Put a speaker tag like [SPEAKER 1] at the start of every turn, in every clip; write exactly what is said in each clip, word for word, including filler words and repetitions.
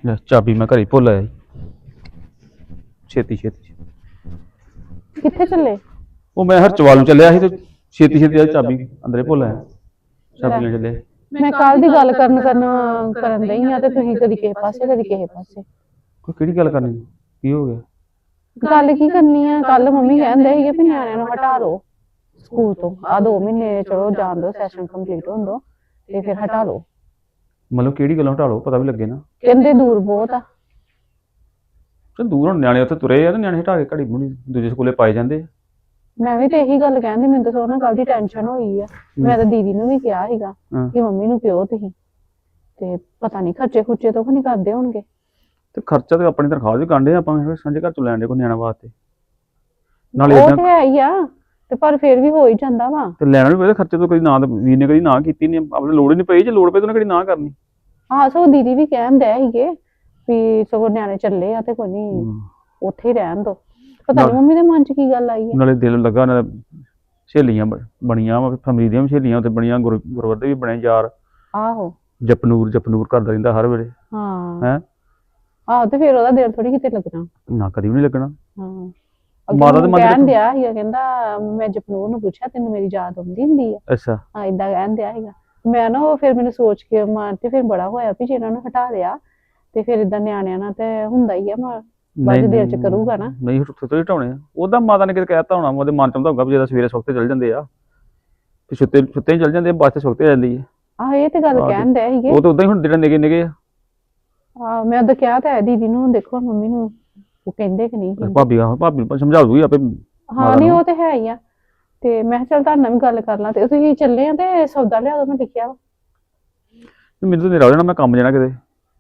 [SPEAKER 1] ਲੈ ਚਾਬੀ ਮੈਂ ਘਰੇ ਭੁੱਲ ਆਇਆ ਸੀ। ਛੇਤੀ ਛੇਤੀ
[SPEAKER 2] ਕਿੱਥੇ ਚੱਲੇ?
[SPEAKER 1] ਉਹ ਮੈਂ ਹਰਚਵਾਲ ਨੂੰ ਚੱਲਿਆ ਸੀ ਤੇ ਛੇਤੀ ਛੇਤੀ ਆ ਚਾਬੀ ਅੰਦਰੇ ਭੁੱਲ ਆਇਆ। ਚਾਬੀ ਨਾਲ ਚੱਲੇ।
[SPEAKER 2] ਮੈਂ ਕੱਲ ਦੀ ਗੱਲ ਕਰਨ ਕਰਨ ਕਰਨ ਦਈ ਆ ਤੇ ਤੁਸੀਂ ਕਦੀ ਕਿਸੇ ਪਾਸੇ ਕਦੀ ਕਿਸੇ ਪਾਸੇ।
[SPEAKER 1] ਕੋਈ ਕਿਹੜੀ ਗੱਲ ਕਰਨੀ? ਕੀ ਹੋ ਗਿਆ?
[SPEAKER 2] ਗੱਲ ਕੀ ਕਰਨੀ ਆ? ਕੱਲ ਮੰਮੀ ਕਹਿੰਦੇ ਸੀਗੇ ਵੀ ਨਿਆਣਿਆਂ ਨੂੰ ਹਟਾ ਲਓ ਸਕੂਲ ਤੋਂ, ਆ ਦੋ ਮਹੀਨੇ ਚਲੋ ਜਾਣ ਦੋ, ਸੈਸ਼ਨ ਕੰਪਲੀਟ ਹੋਣ ਦੋ ਤੇ ਫਿਰ ਹਟਾ ਲਓ।
[SPEAKER 1] ਮਤਲਬ ਕਿਹੜੀ ਗੱਲੋਂ ਹਟਾ ਲਓ? ਪਤਾ ਵੀ ਲੱਗੇ ਨਾ।
[SPEAKER 2] ਕਹਿੰਦੇ ਦੂਰ ਬਹੁਤ ਆ।
[SPEAKER 1] ਤੇ ਦੂਰ ਹੁਣ ਨਿਆਣੇ ਉੱਥੇ ਤੁਰੇ ਆ ਤੇ ਨਿਆਣੇ ਹਟਾ ਕੇ ਘੜੀ ਮੁੜੀ ਦੂਜੇ ਸਕੂਲੇ ਪਾਏ ਜਾਂਦੇ ਆ।
[SPEAKER 2] ਮੈਂ ਵੀ ਤੇ ਇਹੀ ਗੱਲ ਕਹਿੰਦੀ, ਮੈਨੂੰ ਤਾਂ ਸੋਨਾ ਕੱਲ ਦੀ ਟੈਨਸ਼ਨ ਹੋਈ ਆ। ਮੈਂ ਤਾਂ ਦੀਦੀ ਨੂੰ ਵੀ ਕਿਹਾ ਸੀਗਾ ਕਿ ਮੰਮੀ ਨੂੰ ਪਿਓ ਤੁਸੀਂ ਤੇ ਪਤਾ ਨਹੀਂ ਖਰਚੇ ਖੁਰਚੇ ਤੋਂ ਨਹੀਂ ਕਰਦੇ ਹੋਣਗੇ।
[SPEAKER 1] ਤੇ ਖਰਚਾ ਤੇ ਆਪਣੀ ਤਨਖਾਹ ਵੀ ਕਾਂਡੇ ਆਪਾਂ ਸਾਂਝੇ ਘਰ ਚੋਂ ਲੈਣ ਦੇ ਕੋਈ ਨਿਆਣਾ ਵਾਸਤੇ। ਨਾਲੇ
[SPEAKER 2] ਉਹ ਤੇ ਹੈ ਹੀ ਆ ਤੇ ਪਰ ਫਿਰ ਵੀ ਹੋ ਹੀ ਜਾਂਦਾ ਵਾ।
[SPEAKER 1] ਤੇ ਲੈਣਾ ਵੀ ਪਏ ਖਰਚੇ ਤੋਂ ਕਦੀ ਨਾ ਵੀਰ ਨੇ ਕਦੀ ਨਾ ਕੀਤੀ ਨਹੀਂ, ਆਪਣੇ ਲੋੜ ਹੀ ਨਹੀਂ ਪਈ। ਜੇ ਲੋੜ ਪਈ ਤਾਂ ਉਹਨੇ ਕਦੀ ਨਾ ਕਰਨੀ।
[SPEAKER 2] ਹਾਂ ਸੋ ਦੀਦੀ ਵੀ ਕਹਿਣ ਦੇ ਸੀਗੇ ਵੀ ਸਗੋਂ ਨਿਆਣੇ ਚੱਲੇ ਆ ਤੇ ਕੋਈ ਨਹੀਂ ਉੱਥੇ ਹੀ ਰਹਿਣ ਦੋ। ਪਤਾ ਨਹੀਂ ਮੰਮੀ ਦੇ ਮਨ 'ਚ ਕੀ ਗੱਲ ਆਈ ਹੈ।
[SPEAKER 1] ਨਾਲੇ ਦਿਲ ਲੱਗਾ ਨਾ, ਸਹੇਲੀਆਂ ਬਣੀਆਂ ਵਾ, ਫੈਮਿਲੀ ਦੀਆਂ ਵੀ ਸਹੇਲੀਆਂ ਉੱਥੇ ਬਣੀਆਂ, ਗੁਰਵਰ ਦੇ ਵੀ ਬਣੇ ਯਾਰ।
[SPEAKER 2] ਆਹੋ
[SPEAKER 1] ਜਪਨੂਰ ਜਪਨੂਰ ਕਰਦਾ ਰਹਿੰਦਾ ਹਰ ਵੇਲੇ।
[SPEAKER 2] ਹਾਂ
[SPEAKER 1] ਹੈ
[SPEAKER 2] ਆਹੋ ਤੇ ਫਿਰ ਉਹਦਾ ਦਿਲ ਥੋੜੀ ਕਿਤੇ ਲੱਗਣਾ।
[SPEAKER 1] ਨਾ ਕਦੀ ਵੀ ਨਹੀਂ ਲੱਗਣਾ।
[SPEAKER 2] ਹਾਂ
[SPEAKER 1] ਮਾਤਾ ਦੇ ਮਨ
[SPEAKER 2] ਕਹਿਣ ਦਿਆ ਸੀਗਾ, ਕਹਿੰਦਾ ਮੈਂ ਜਪਨੂਰ ਨੂੰ ਪੁੱਛਿਆ ਤੈਨੂੰ ਮੇਰੀ ਯਾਦ ਆਉਂਦੀ ਹੁੰਦੀ ਆ?
[SPEAKER 1] ਅੱਛਾ
[SPEAKER 2] ਹਾਂ ਏਦਾਂ ਕਹਿਣ ਦਿਆ ਸੀਗਾ। ਮੈਂ ਨਾ ਉਹ ਫਿਰ ਮੈਨੂੰ ਸੋਚ ਕੇ ਮਨ ਤੇ ਫਿਰ ਬੜਾ ਹੋਇਆ ਵੀ ਜੇ ਇਹਨਾਂ ਨੂੰ ਹਟਾ ਲਿਆ ਤੇ ਫਿਰ ਏਦਾਂ ਨਿਆਣਿਆਂ ਨਾਲ ਤੇ ਹੁੰਦਾ ਹੀ ਆ, ਬਾਅਦ ਦਿਲ 'ਚ ਕਰੂਗਾ ਨਾ।
[SPEAKER 1] ਨਹੀਂ ਉੱਥੇ ਤੋਂ ਹਟਾਉਣੇ ਆ। ਉਹਦਾ ਮਾਤਾ ਨੇ ਕਿਤੇ ਕਹਿਤਾ ਹੋਣਾ, ਉਹਦੇ ਮਨ 'ਚ ਆਉਂਦਾ ਹੋਊਗਾ ਵੀ ਜਿਹੜਾ ਸਵੇਰੇ ਸੁੱਤੇ ਚੱਲ ਜਾਂਦੇ ਆ ਤੇ ਸੁੱਤੇ ਸੁੱਤੇ ਚੱਲ ਜਾਂਦੇ ਆ, ਬੱਸ ਤੇ ਸੁੱਤੇ ਜਾਂਦੀ ਹੈ।
[SPEAKER 2] ਆਹ ਇਹ ਤੇ ਗੱਲ ਕਹਿਣ ਦੇ ਸੀਗੇ।
[SPEAKER 1] ਉਹ ਤਾਂ ਉਦਾਂ ਹੀ ਹੁਣ ਜਿਹੜੇ ਨਿੱਕੇ ਨਿੱਕੇ ਆ।
[SPEAKER 2] ਆਹ ਮੈਂ ਉਦੋਂ ਕਿਹਾ ਤਾਂ ਹੈ ਦੀਦੀ ਨੂੰ, ਦੇਖੋ ਮੰਮੀ ਨੂੰ ਉਹ ਕਹਿੰਦੇ ਕਿ ਨਹੀਂ।
[SPEAKER 1] ਭਾਬੀ ਆ ਭਾਬੀ ਨੂੰ ਸਮਝਾ ਦੂਗੀ ਆਪੇ।
[SPEAKER 2] ਹਾਂ ਨਹੀਂ ਉਹ ਤੇ ਹੈ ਹੀ ਆ। ਤੇ ਮੈਂ ਕਿਹਾ ਚੱਲ ਤੁਹਾਡੇ ਨਾਲ ਵੀ ਗੱਲ ਕਰ ਲਾਂ। ਤੇ ਤੁਸੀਂ ਚੱਲੇ ਆ ਤੇ ਸੌਦਾ ਲਿਆ ਦੋ, ਮੈਂ ਲਿਖਿਆ ਵਾ।
[SPEAKER 1] ਮੈਨੂੰ ਤਾਂ ਨੇਰਾ ਹੋ ਜਾਣਾ, ਮੈਂ ਕੰਮ ਜਾਣਾ ਕਿਤੇ।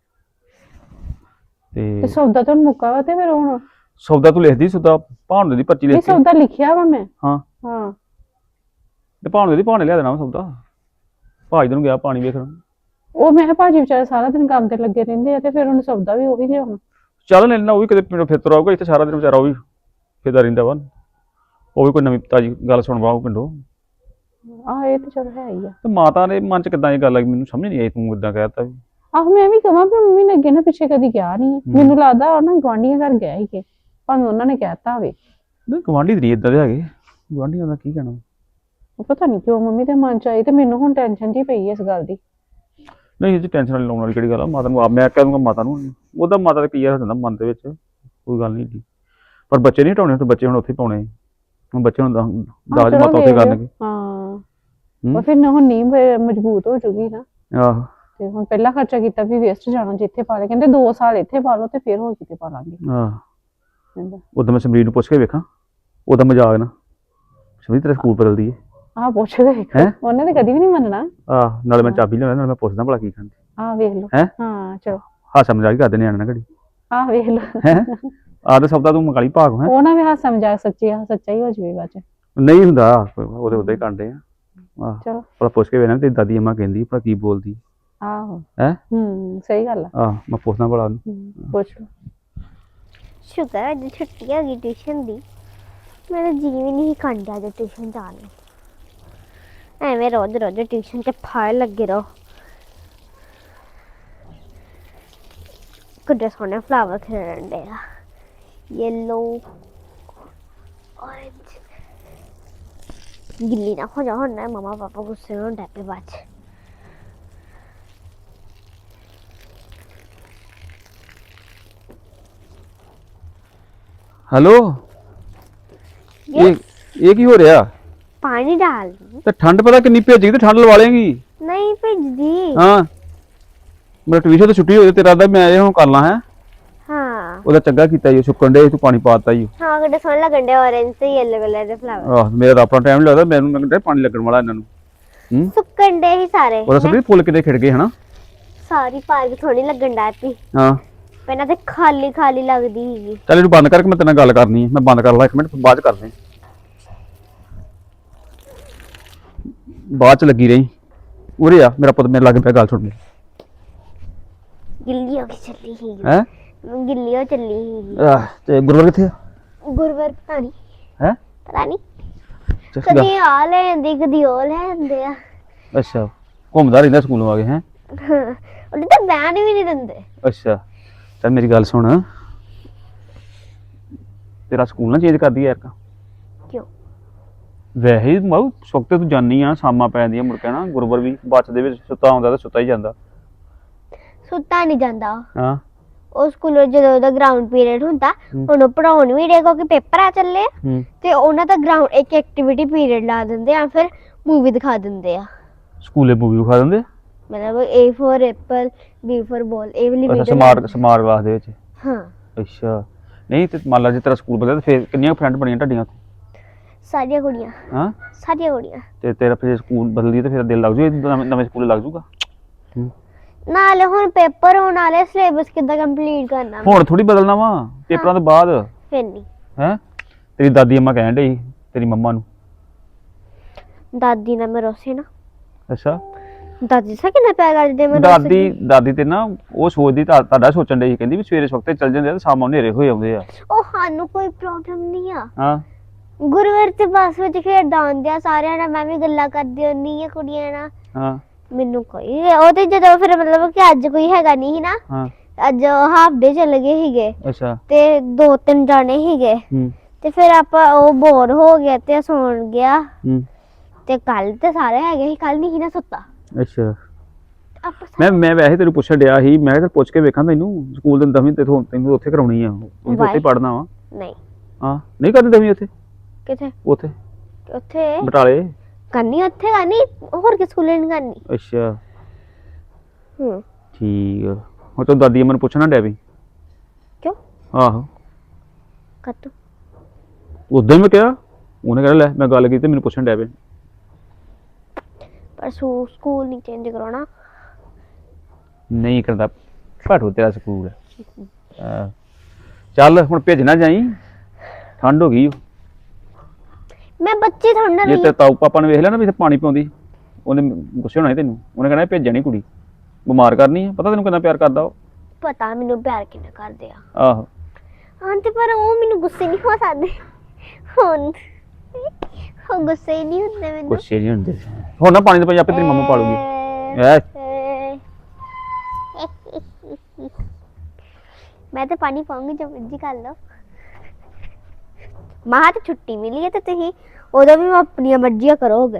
[SPEAKER 2] ਤੇ ਸੌਦਾ ਤਾਂ ਮੁੱਕਾ ਵਾ ਤੇ ਫਿਰ ਹੁਣ
[SPEAKER 1] ਸੌਦਾ ਤੂੰ ਲਿਖਦੀ? ਸੌਦਾ ਭਾਣ ਦੀ ਪਰਚੀ ਲਿਖ ਕੇ।
[SPEAKER 2] ਸੌਦਾ ਲਿਖਿਆ ਵਾ ਮੈਂ।
[SPEAKER 1] ਹਾਂ
[SPEAKER 2] ਹਾਂ
[SPEAKER 1] ਤੇ ਭਾਣ ਦੀ ਭਾਣੇ ਲਿਆ ਦੇਣਾ ਸੌਦਾ। ਭਾਜੀ ਨੂੰ ਗਿਆ ਪਾਣੀ ਵੇਖਣ।
[SPEAKER 2] ਉਹ ਮੈਂ ਕਿਹਾ ਭਾਜੀ ਵਿਚਾਰੇ ਸਾਰਾ ਦਿਨ ਕੰਮ ਤੇ ਲੱਗੇ ਰਹਿੰਦੇ ਆ ਤੇ ਫਿਰ ਉਹਨੂੰ ਸੌਦਾ ਵੀ ਉਹੀ ਲਿਆਉਣਾ।
[SPEAKER 1] ਚੱਲ ਲੈਣਾ, ਉਹ ਵੀ ਕਿਤੇ ਪਿੰਡੋਂ ਫਿਰ ਤੁਰ ਆਊਗਾ। ਇੱਥੇ ਸਾਰਾ ਦਿਨ ਵਿਚਾਰਾ ਉਹ ਵੀ ਫਿਰਦਾ ਰਹਿੰਦਾ ਵਾ। ਉਹ ਵੀ ਕੋਈ ਨਵੀਂ ਤਾਜੀ ਗੱਲ ਸੁਣਵਾ ਉਹ ਪਿੰਡੋਂ।
[SPEAKER 2] ਆਹ ਇਹ ਤੇ ਚਲੋ ਹੈ ਹੀ ਆ।
[SPEAKER 1] ਤੇ ਮਾਤਾ ਦੇ ਮਨ 'ਚ ਕਿੱਦਾਂ ਇਹ ਗੱਲ ਆਈ ਮੈਨੂੰ ਸਮਝ ਨਹੀਂ ਆਈ। ਤੂੰ ਏਦਾਂ ਕਹਿ ਦਿੱਤਾ ਵੀ।
[SPEAKER 2] ਆਹੋ ਮੈਂ ਵੀ ਕਹਾਂ ਵੀ ਮੰਮੀ ਨੇ ਅੱਗੇ ਨਾ ਪਿੱਛੇ ਕਦੀ ਕਿਹਾ ਨਹੀਂ। ਮੈਨੂੰ ਲੱਗਦਾ ਉਹ ਨਾ ਗੁਆਂਢੀਆਂ ਘਰ ਗਿਆ ਸੀਗੇ, ਭਾਵੇਂ ਉਹਨਾਂ ਨੇ ਕਹਿਤਾ ਹੋਵੇ।
[SPEAKER 1] ਨਹੀਂ ਗੁਆਂਢੀ ਨਹੀਂ ਏਦਾਂ ਦੇ ਹੈਗੇ। ਗੁਆਂਢੀਆਂ ਦਾ ਕੀ ਕਹਿਣਾ।
[SPEAKER 2] ਪਤਾ ਨਹੀਂ ਕਿਉਂ ਮੰਮੀ ਦੇ ਮਨ 'ਚ ਆਈ ਤੇ ਮੈਨੂੰ ਹੁਣ ਟੈਨਸ਼ਨ ਜਿਹੀ ਪਈ ਇਸ ਗੱਲ ਦੀ।
[SPEAKER 1] ਨਹੀਂ ਇਹ 'ਚ ਟੈਨਸ਼ਨ ਲਾਉਣ ਵਾਲੀ ਕਿਹੜੀ ਗੱਲ ਆ। ਮਾਤਾ ਨੂੰ ਆਪ ਮੈਂ ਕਹਿ ਦੂੰਗਾ ਮਾਤਾ ਨੂੰ। ਉਹਦਾ ਮਾਤਾ ਦਾ ਕੀ ਆ ਹੁੰਦਾ ਮਨ ਦੇ ਵਿੱਚ, ਕੋਈ ਗੱਲ ਨਹੀਂ ਏਡੀ। ਪਰ ਬੱਚੇ ਨਹੀਂ ਹਟਾਉਣੇ ਤੇ ਬੱਚੇ ਹੁਣ ਉੱਥੇ ਪਾਉਣੇ। ਹੁਣ ਬੱਚੇ ਹੁਣ ਦਾਜ ਮਾਤਾ ਉੱਥੇ ਕਰਨਗੇ।
[SPEAKER 2] ਹਾਂ ਉਹ ਫਿਰ ਨਾ ਹੁਣ ਨੀਂਹ ਮਜ਼ਬੂਤ ਹੋ ਜੂਗੀ ਨਾ।
[SPEAKER 1] ਆਹੋ
[SPEAKER 2] ਤੇ ਹੁਣ ਪਹਿਲਾਂ ਖਰਚਾ ਕੀਤਾ ਵੀ ਵੇਸਟ ਜਾਣਾ। ਜਿੱਥੇ ਪਾ ਲੈ ਕਹਿੰਦੇ ਦੋ ਸਾਲ ਇੱਥੇ ਪਾ ਲਓ ਤੇ ਫਿਰ ਹੋਰ ਕਿਤੇ ਪਾ ਲਾਂਗੇ।
[SPEAKER 1] ਆਹ ਉਦੋਂ ਮੈਂ ਸਮਰੀਰ ਨੂੰ ਪੁੱਛ ਕੇ ਵੇਖਾਂ। ਉਹਦਾ ਮਜ਼ਾਕ ਨਾ ਸਮਰੀਰ ਤੇਰਾ ਸਕੂਲ ਬਦਲਦੀ ਹੈ।
[SPEAKER 2] ਆਹ ਪੁੱਛਦੇ ਉਹਨੇ ਤਾਂ ਕਦੀ ਵੀ ਨਹੀਂ ਮੰਨਣਾ।
[SPEAKER 1] ਆਹ ਨਾਲੇ ਮੈਂ ਚਾਬੀ ਲਿਆਉਣਾ, ਨਾਲੇ ਮੈਂ ਪੁੱਛਦਾ ਭਲਾ ਕੀ ਖਾਂਦੀ।
[SPEAKER 2] ਆਹ ਵੇਖ ਲਓ।
[SPEAKER 1] ਹੈ
[SPEAKER 2] ਹਾਂ ਚਲੋ
[SPEAKER 1] ਹਾਸਾ ਮਜ਼ਾਕ ਕਰਦੇ ਨਿਆਣੇ ਨਾਲ ਘੜੀ।
[SPEAKER 2] ਆਹ ਵੇਖ ਲਓ।
[SPEAKER 1] ਹੈ ਆਹ ਤਾਂ ਸਭ ਦਾ ਤੂੰ ਮਕਾਲੀ ਭਾਗ ਹੈ।
[SPEAKER 2] ਉਹ ਨਾ ਵੀ ਹਾਸਾ ਮਜ਼ਾਕ ਸੱਚੀ ਸੱਚਾ ਹੀ ਹੋ ਜਾਵੇ ਬਾਅਦ 'ਚ।
[SPEAKER 1] ਨਹੀਂ ਹੁੰਦਾ, ਉਹਦੇ ਉਦਾਂ ਹੀ ਕਾਂਡੇ ਆ। ਆਹ
[SPEAKER 2] ਚਲੋ
[SPEAKER 1] ਭਲਾ ਪੁੱਛ ਕੇ ਵੇਖਣਾ ਤੇਰੀ ਦਾਦੀ ਅੰਮਾ ਕਹਿੰਦੀ ਭਲਾ ਕੀ ਬੋਲਦੀ।
[SPEAKER 2] ਆਹੋ
[SPEAKER 1] ਹੈ
[SPEAKER 2] ਹੂੰ ਸਹੀ ਗੱਲ ਆ।
[SPEAKER 1] ਆਹ ਮੈਂ ਪੁੱਛਦਾ ਭਲਾ
[SPEAKER 2] ਪੁੱਛ ਲਓ।
[SPEAKER 3] ਸ਼ੁਕਰ ਅੱਜ ਛੁੱਟੀ ਹੋ ਗਈ ਟਿਊਸ਼ਨ ਦੀ। ਮੇਰਾ ਜੀ ਵੀ ਨਹੀਂ ਕਰਦਾ ਅੱਜ ਟਿਊਸ਼ਨ ਜਾਣ ਨੂੰ। ਐਵੇਂ ਰੋਜ਼ ਰੋਜ਼ ਟਿਊਸ਼ਨ 'ਚ ਫਾੜ ਲੱਗੇ ਰਹੋ। ਕਿੱਡੇ ਸੋਹਣੇ ਫਲਾਵਰ ਖਿੜਨ ਡੇ ਆ, ਯੈਲੋ ਔਰੇਂਜ। ਗਿੱਲੀ ਨਾ ਹੋ ਜਾ ਹੁਣ ਨਾ, ਮਮਾ ਪਾਪਾ ਗੁੱਸੇ ਹੋਣ ਡੈ ਪਏ ਬਾਅਦ 'ਚ।
[SPEAKER 1] ਹੈਲੋ ਇਹ ਇਹ ਕੀ ਹੋ ਰਿਹਾ?
[SPEAKER 3] ਪਾਣੀ ਡਾਲ
[SPEAKER 1] ਤੇ ਠੰਡ ਪਤਾ ਕਿੰਨੀ ਭੇਜੀ ਤੇ ਠੰਡ ਲਵਾ ਲੇਗੀ।
[SPEAKER 3] ਨਹੀਂ ਭੇਜਦੀ।
[SPEAKER 1] ਹਾਂ ਮੇਰਾ ਟਿਊਸ਼ਨ ਤੋਂ ਛੁੱਟੀ ਹੋ ਜਾਏ ਤੇਰਾ ਦਾ ਮੈਂ ਇਹ ਹੁਣ ਕਰ ਲਾਂ। ਹੈ
[SPEAKER 3] ਹਾਂ
[SPEAKER 1] ਉਹਦਾ ਚੰਗਾ ਕੀਤਾ ਜੀ, ਸੁੱਕਣ ਡੇ ਤੂੰ ਪਾਣੀ ਪਾਤਾ ਜੀ।
[SPEAKER 3] ਹਾਂ ਕਿੱਡੇ ਸੋਹਣੇ ਲੱਗਣ ਡੇ ਔਰੇਂਜ ਤੇ ਯੈਲੋ ਕਲਰ ਦੇ ਫਲਾਵਰ।
[SPEAKER 1] ਆਹ ਮੇਰਾ ਤਾਂ ਆਪਣਾ ਟਾਈਮ ਨਹੀਂ ਲੱਗਦਾ। ਮੈਨੂੰ ਲੱਗਦਾ ਪਾਣੀ ਲੱਗਣ ਵਾਲਾ ਇਹਨਾਂ ਨੂੰ। ਹੂੰ
[SPEAKER 3] ਸੁੱਕਣ ਡੇ ਹੀ ਸਾਰੇ।
[SPEAKER 1] ਉਹਦਾ ਸਭ ਫੁੱਲ ਕਿਤੇ ਖਿੜ ਗਏ ਹਨਾ।
[SPEAKER 3] ਸਾਰੀ ਪਾਰਕ ਥੋੜੀ ਲੱਗਣ ਡੈ ਪਈ।
[SPEAKER 1] ਹਾਂ
[SPEAKER 3] ਪਹਿਲਾਂ ਤੇ ਖਾਲੀ ਖਾਲੀ ਲੱਗਦੀ ਸੀਗੀ।
[SPEAKER 1] ਚੱਲ ਇਹਨੂੰ ਬੰਦ ਕਰਕੇ ਮੈਂ ਤੇਰੇ ਨਾਲ ਗੱਲ ਕਰਨੀ ਹੈ। ਮੈਂ ਬੰਦ ਕਰ ਲਾ ਇੱਕ ਮਿੰਟ, ਬਾਅਦ ਚ ਕਰਦੇ। ਬਾਅਦ ਚ ਲੱਗੀ ਰਹੀ ਉਰੇ ਆ ਮੇਰਾ ਪੁੱਤ, ਮੇਰੇ ਲੱਗ ਪਿਆ ਗੱਲ ਸੁਣ।
[SPEAKER 3] ਗਿੱਲੀ ਹੋ ਕੇ ਚੱਲੀ ਸੀ।
[SPEAKER 1] ਹੈ
[SPEAKER 3] ਗਿੱਲੀ ਹੋ ਚੱਲੀ ਸੀ।
[SPEAKER 1] ਆਹ ਤੇ ਗੁਰਵਰ ਕਿੱਥੇ ਆ?
[SPEAKER 3] ਗੁਰਵਰ ਪਤਾ ਨਹੀਂ।
[SPEAKER 1] ਹੈ
[SPEAKER 3] ਪਤਾ ਨਹੀਂ ਕਦੀ ਆ ਲੈ ਜਾਂਦੀ ਕਦੀ ਉਹ ਲੈ ਜਾਂਦੇ ਆ।
[SPEAKER 1] ਅੱਛਾ ਘੁੰਮਦਾ ਰਹਿੰਦਾ ਸਕੂਲੋਂ ਆ ਕੇ। ਹੈ
[SPEAKER 3] ਉਹਦੇ ਤਾਂ ਬੈਨ ਵੀ ਨਹੀਂ ਦਿੰਦੇ।
[SPEAKER 1] ਅੱਛਾ ਚੱਲ ਮੇਰੀ ਗੱਲ ਸੁਣ, ਤੇਰਾ ਸਕੂਲ ਨਾ ਚੇਂਜ ਕਰਦੀ ਯਾਰ।
[SPEAKER 3] ਕਿਉਂ?
[SPEAKER 1] ਵੈਸੇ ਹੀ ਮਾਊ ਸੁੱਤੇ ਤੂੰ ਜਾਨੀ ਆ, ਸ਼ਾਮਾਂ ਪੈ ਜਾਂਦੀਆਂ ਮੁੜ ਕੇ ਨਾ, ਗੁਰੂਵਰ ਵੀ ਬੱਸ ਦੇ ਵਿੱਚ ਸੁੱਤਾ ਹੁੰਦਾ ਤਾਂ ਸੁੱਤਾ ਹੀ ਜਾਂਦਾ।
[SPEAKER 3] ਸੁੱਤਾ ਨਹੀਂ ਜਾਂਦਾ
[SPEAKER 1] ਹਾਂ
[SPEAKER 3] ਉਹ ਸਕੂਲੋਂ ਜਦੋਂ ਉਹਦਾ ਗਰਾਊਂਡ ਪੀਰੀਅਡ ਹੁੰਦਾ
[SPEAKER 1] ਹੂੰ।
[SPEAKER 3] ਉਹਨੂੰ ਪੜਾਉਣ ਵੀ ਡੇ ਕਿਉਂਕਿ ਪੇਪਰ ਆ ਚੱਲੇ ਆ,
[SPEAKER 1] ਹੂੰ
[SPEAKER 3] ਤੇ ਉਹਨਾਂ ਦਾ ਗਰਾਊਂਡ ਇੱਕ ਐਕਟੀਵਿਟੀ ਪੀਰੀਅਡ ਲਾ ਦਿੰਦੇ ਆ, ਫਿਰ ਮੂਵੀ ਦਿਖਾ ਦਿੰਦੇ ਆ।
[SPEAKER 1] ਸਕੂਲੇ ਮੂਵੀ ਵਿਖਾ ਦਿੰਦੇ?
[SPEAKER 3] ਮਤਲਬ A for apple, B for ball, ਇਹ ਵਾਲੀ
[SPEAKER 1] ਅੱਛਾ,
[SPEAKER 3] ਵੀਡੀਓ।
[SPEAKER 1] ਸਮਾਰਟ ਸਮਾਰਟ ਕਲਾਸ ਦੇ ਵਿੱਚ?
[SPEAKER 3] ਹਾਂ।
[SPEAKER 1] ਅੱਛਾ, ਨਹੀਂ ਤੇ ਮੰਨ ਲਾ ਜੇ ਤੇਰਾ ਸਕੂਲ ਬਦਲਿਆ ਤੇ ਫਿਰ ਕਿੰਨੀਆਂ ਫਰੈਂਡ ਬਣੀਆਂ ਤੁਹਾਡੀਆਂ ਉੱਥੇ?
[SPEAKER 3] ਸਾਰੀਆਂ ਕੁੜੀਆਂ।
[SPEAKER 1] ਹਾਂ
[SPEAKER 3] ਸਾਰੀਆਂ ਕੁੜੀਆਂ।
[SPEAKER 1] ਤੇ ਤੇਰਾ ਫਿਰ ਸਕੂਲ ਬਦਲੀ ਤੇ ਫਿਰ ਦਿਲ ਲੱਗ ਜੂ ਨਵੇਂ ਨਵੇਂ ਸਕੂਲੇ ਲੱਗ ਜੂਗਾ?
[SPEAKER 3] ਨਾਲੇ ਹੁਣ ਪੇਪਰ ਹੋਣ ਵਾਲੇ, ਸਿਲੇਬਸ ਕਿੱਦਾਂ ਕੰਪਲੀਟ ਕਰਨਾ?
[SPEAKER 1] ਹੁਣ ਥੋੜੀ ਬਦਲਣਾ ਵਾ ਪੇਪਰਾਂ ਤੋਂ ਬਾਅਦ।
[SPEAKER 3] ਫਿਰ ਨਹੀਂ।
[SPEAKER 1] ਹੈ ਤੇਰੀ ਦਾਦੀ ਅੰਮਾ ਕਹਿਣ ਡਈ ਤੇਰੀ ਮੰਮਾ ਨੂੰ।
[SPEAKER 3] ਦਾਦੀ ਨਾਲ ਮੈਂ ਰੋਸੇ ਨਾ।
[SPEAKER 1] ਅੱਛਾ,
[SPEAKER 3] ਦਾਦੀ ਸਾ ਕਿੰਨਾ ਪਿਆਰ ਕਰਦੇ ਮੈਂ
[SPEAKER 1] ਦਾਦੀ ਦਾਦੀ ਤੇ ਨਾ ਉਹ ਸੋਚਦੀ ਤਾਂ ਤੁਹਾਡਾ ਸੋਚਣ ਡਈ ਸੀ, ਕਹਿੰਦੀ ਵੀ ਸਵੇਰੇ ਵਕਤੇ ਚੱਲ ਜਾਂਦੇ ਆ ਤੇ ਸ਼ਾਮਾਂ ਨੂੰ ਹਨੇਰੇ ਹੋਏ ਆਉਂਦੇ ਆ।
[SPEAKER 3] ਉਹ ਸਾਨੂੰ ਕੋਈ ਪ੍ਰੋਬਲਮ ਨਹੀਂ ਆ।
[SPEAKER 1] ਹਾਂ
[SPEAKER 3] ਗੁਰੂਵਾਰ ਤੇ ਬੱਸ ਵਿੱਚ ਖੇਡਦਾ ਹੁੰਦੇ ਆ ਸਾਰਿਆਂ ਨਾਲ, ਮੈਂ ਵੀ ਗੱਲਾਂ ਕਰਦੀ ਹੁੰਦੀ ਆ ਕੁੜੀਆਂ ਨਾਲ।
[SPEAKER 1] ਹਾਂ
[SPEAKER 3] ਮੈਨੂੰ ਕੋਈ ਉਹ ਤੇ ਜਦੋਂ ਫਿਰ ਮਤਲਬ ਕਿ ਅੱਜ ਕੋਈ ਹੈਗਾ ਨਹੀਂ ਸੀ ਨਾ,
[SPEAKER 1] ਹਾਂ
[SPEAKER 3] ਅੱਜ ਹਾਫ ਡੇ ਚਲੇ ਗਏ ਸੀਗੇ
[SPEAKER 1] ਅੱਛਾ
[SPEAKER 3] ਤੇ ਦੋ ਤਿੰਨ ਜਾਣੇ ਸੀਗੇ,
[SPEAKER 1] ਹੂੰ
[SPEAKER 3] ਤੇ ਫਿਰ ਆਪਾਂ ਉਹ ਬੋਰ ਹੋ ਗਿਆ ਤੇ ਸੌਣ ਗਿਆ।
[SPEAKER 1] ਹੂੰ
[SPEAKER 3] ਤੇ ਕੱਲ ਤੇ ਸਾਰੇ ਹੈਗੇ ਸੀ, ਕੱਲ ਨਹੀਂ ਸੀ ਨਾ ਸੁੱਤਾ
[SPEAKER 1] ਅੱਛਾ।
[SPEAKER 3] ਆਪਾਂ।
[SPEAKER 1] ਮੈਂ ਮੈਂ ਵੈਸੇ ਤੈਨੂੰ ਪੁੱਛਣ ਡਿਆ ਸੀ, ਮੈਂ ਕਿਹਾ ਪੁੱਛ ਕੇ ਵੇਖਾਂ ਤੈਨੂੰ ਸਕੂਲ ਦੇ ਦਸਵੀਂ ਤੇ ਤੈਨੂੰ ਉੱਥੇ ਕਰਾਉਣੀ ਆ, ਤੂੰ ਉੱਥੇ ਪੜ੍ਹਨਾ ਵਾ?
[SPEAKER 3] ਨਹੀਂ।
[SPEAKER 1] ਹਾਂ ਨਹੀਂ ਕਰਦੀ ਦਸਵੀਂ ਉੱਥੇ?
[SPEAKER 3] ਕਿੱਥੇ?
[SPEAKER 1] ਉੱਥੇ
[SPEAKER 3] ਉੱਥੇ
[SPEAKER 1] ਬਟਾਲੇ
[SPEAKER 3] ਕਰਨੀ, ਉੱਥੇ ਕਰਨੀ, ਹੋਰ ਕਿਸ ਸਕੂਲੇ ਨਹੀਂ ਕਰਨੀ।
[SPEAKER 1] ਅੱਛਾ
[SPEAKER 3] ਹੂੰ
[SPEAKER 1] ਠੀਕ ਆ। ਹੁਣ ਤੂੰ ਦਾਦੀ ਮੈਨੂੰ ਪੁੱਛਣਾ ਡਿਆ ਵੀ?
[SPEAKER 3] ਕਿਉਂ?
[SPEAKER 1] ਆਹੋ
[SPEAKER 3] ਕੱਤੂ
[SPEAKER 1] ਉਦੋਂ ਮੈਂ ਕਿਹਾ, ਉਹਨੇ ਕਹਿ ਲੈ ਮੈਂ ਗੱਲ ਕੀਤੀ ਮੈਨੂੰ ਪੁੱਛਣ ਡਿਆ ਵੀ।
[SPEAKER 3] ਪਰ ਸਕੂਲ ਨਹੀਂ ਚੇਂਜ ਕਰਾਉਣਾ।
[SPEAKER 1] ਨਹੀਂ ਕਰਦਾ ਭਾਟੂ ਤੇਰਾ ਸਕੂਲ। ਹਾਂ ਚੱਲ ਹੁਣ ਭੇਜ ਨਾ ਜਾਈ, ਠੰਡ ਹੋ ਗਈ।
[SPEAKER 3] ਮੈਂ ਬੱਚੇ ਥੋੜਾ
[SPEAKER 1] ਜੇ ਤੇ ਤਾਊ ਪਾਪਾ ਨੇ ਵੇਖ ਲਿਆ ਨਾ ਵੀ ਇੱਥੇ ਪਾਣੀ ਪਿਆਉਂਦੀ, ਉਹਨੇ ਗੁੱਸੇ ਹੋਣਾ ਸੀ ਤੈਨੂੰ, ਉਹਨੇ ਕਹਿਣਾ ਭੇਜਣੀ ਕੁੜੀ ਬਿਮਾਰ ਕਰਨੀ ਆ। ਪਤਾ ਤੈਨੂੰ ਕਿੰਨਾ ਪਿਆਰ ਕਰਦਾ ਉਹ?
[SPEAKER 3] ਪਤਾ ਮੈਨੂੰ ਪਿਆਰ ਕਿੰਨਾ ਕਰਦੇ ਆ।
[SPEAKER 1] ਆਹੋ
[SPEAKER 3] ਹਾਂ ਤੇ ਪਰ ਉਹ ਮੈਨੂੰ ਗੁੱਸੇ ਨਹੀਂ ਹੋ ਸਕਦੇ ਹੁਣ, ਉਹ ਗੁੱਸੇ ਹੀ ਨਹੀਂ ਹੁੰਦੇ ਮੈਨੂੰ।
[SPEAKER 1] ਗੁੱਸੇ ਨਹੀਂ ਹੁੰਦੇ। ਹੁਣ ਨਾ ਪਾਣੀ ਦੇ ਪਈ ਆਪੇ ਤੇਰੀ ਮੰਮਾ ਪਾਲੂਗੀ। ਐ
[SPEAKER 3] ਮੈਂ ਤੇ ਪਾਣੀ ਪਾਉਂਗੀ ਜੋ ਮਰਜ਼ੀ ਕਰ ਲਓ। ਮਾਂ ਤੇ ਛੁੱਟੀ ਮਿਲੀ ਹੈ ਤੇ ਤੁਸੀਂ ਉਦੋਂ ਵੀ ਆਪਣੀਆਂ ਮਰਜ਼ੀਆਂ ਕਰੋਗੇ।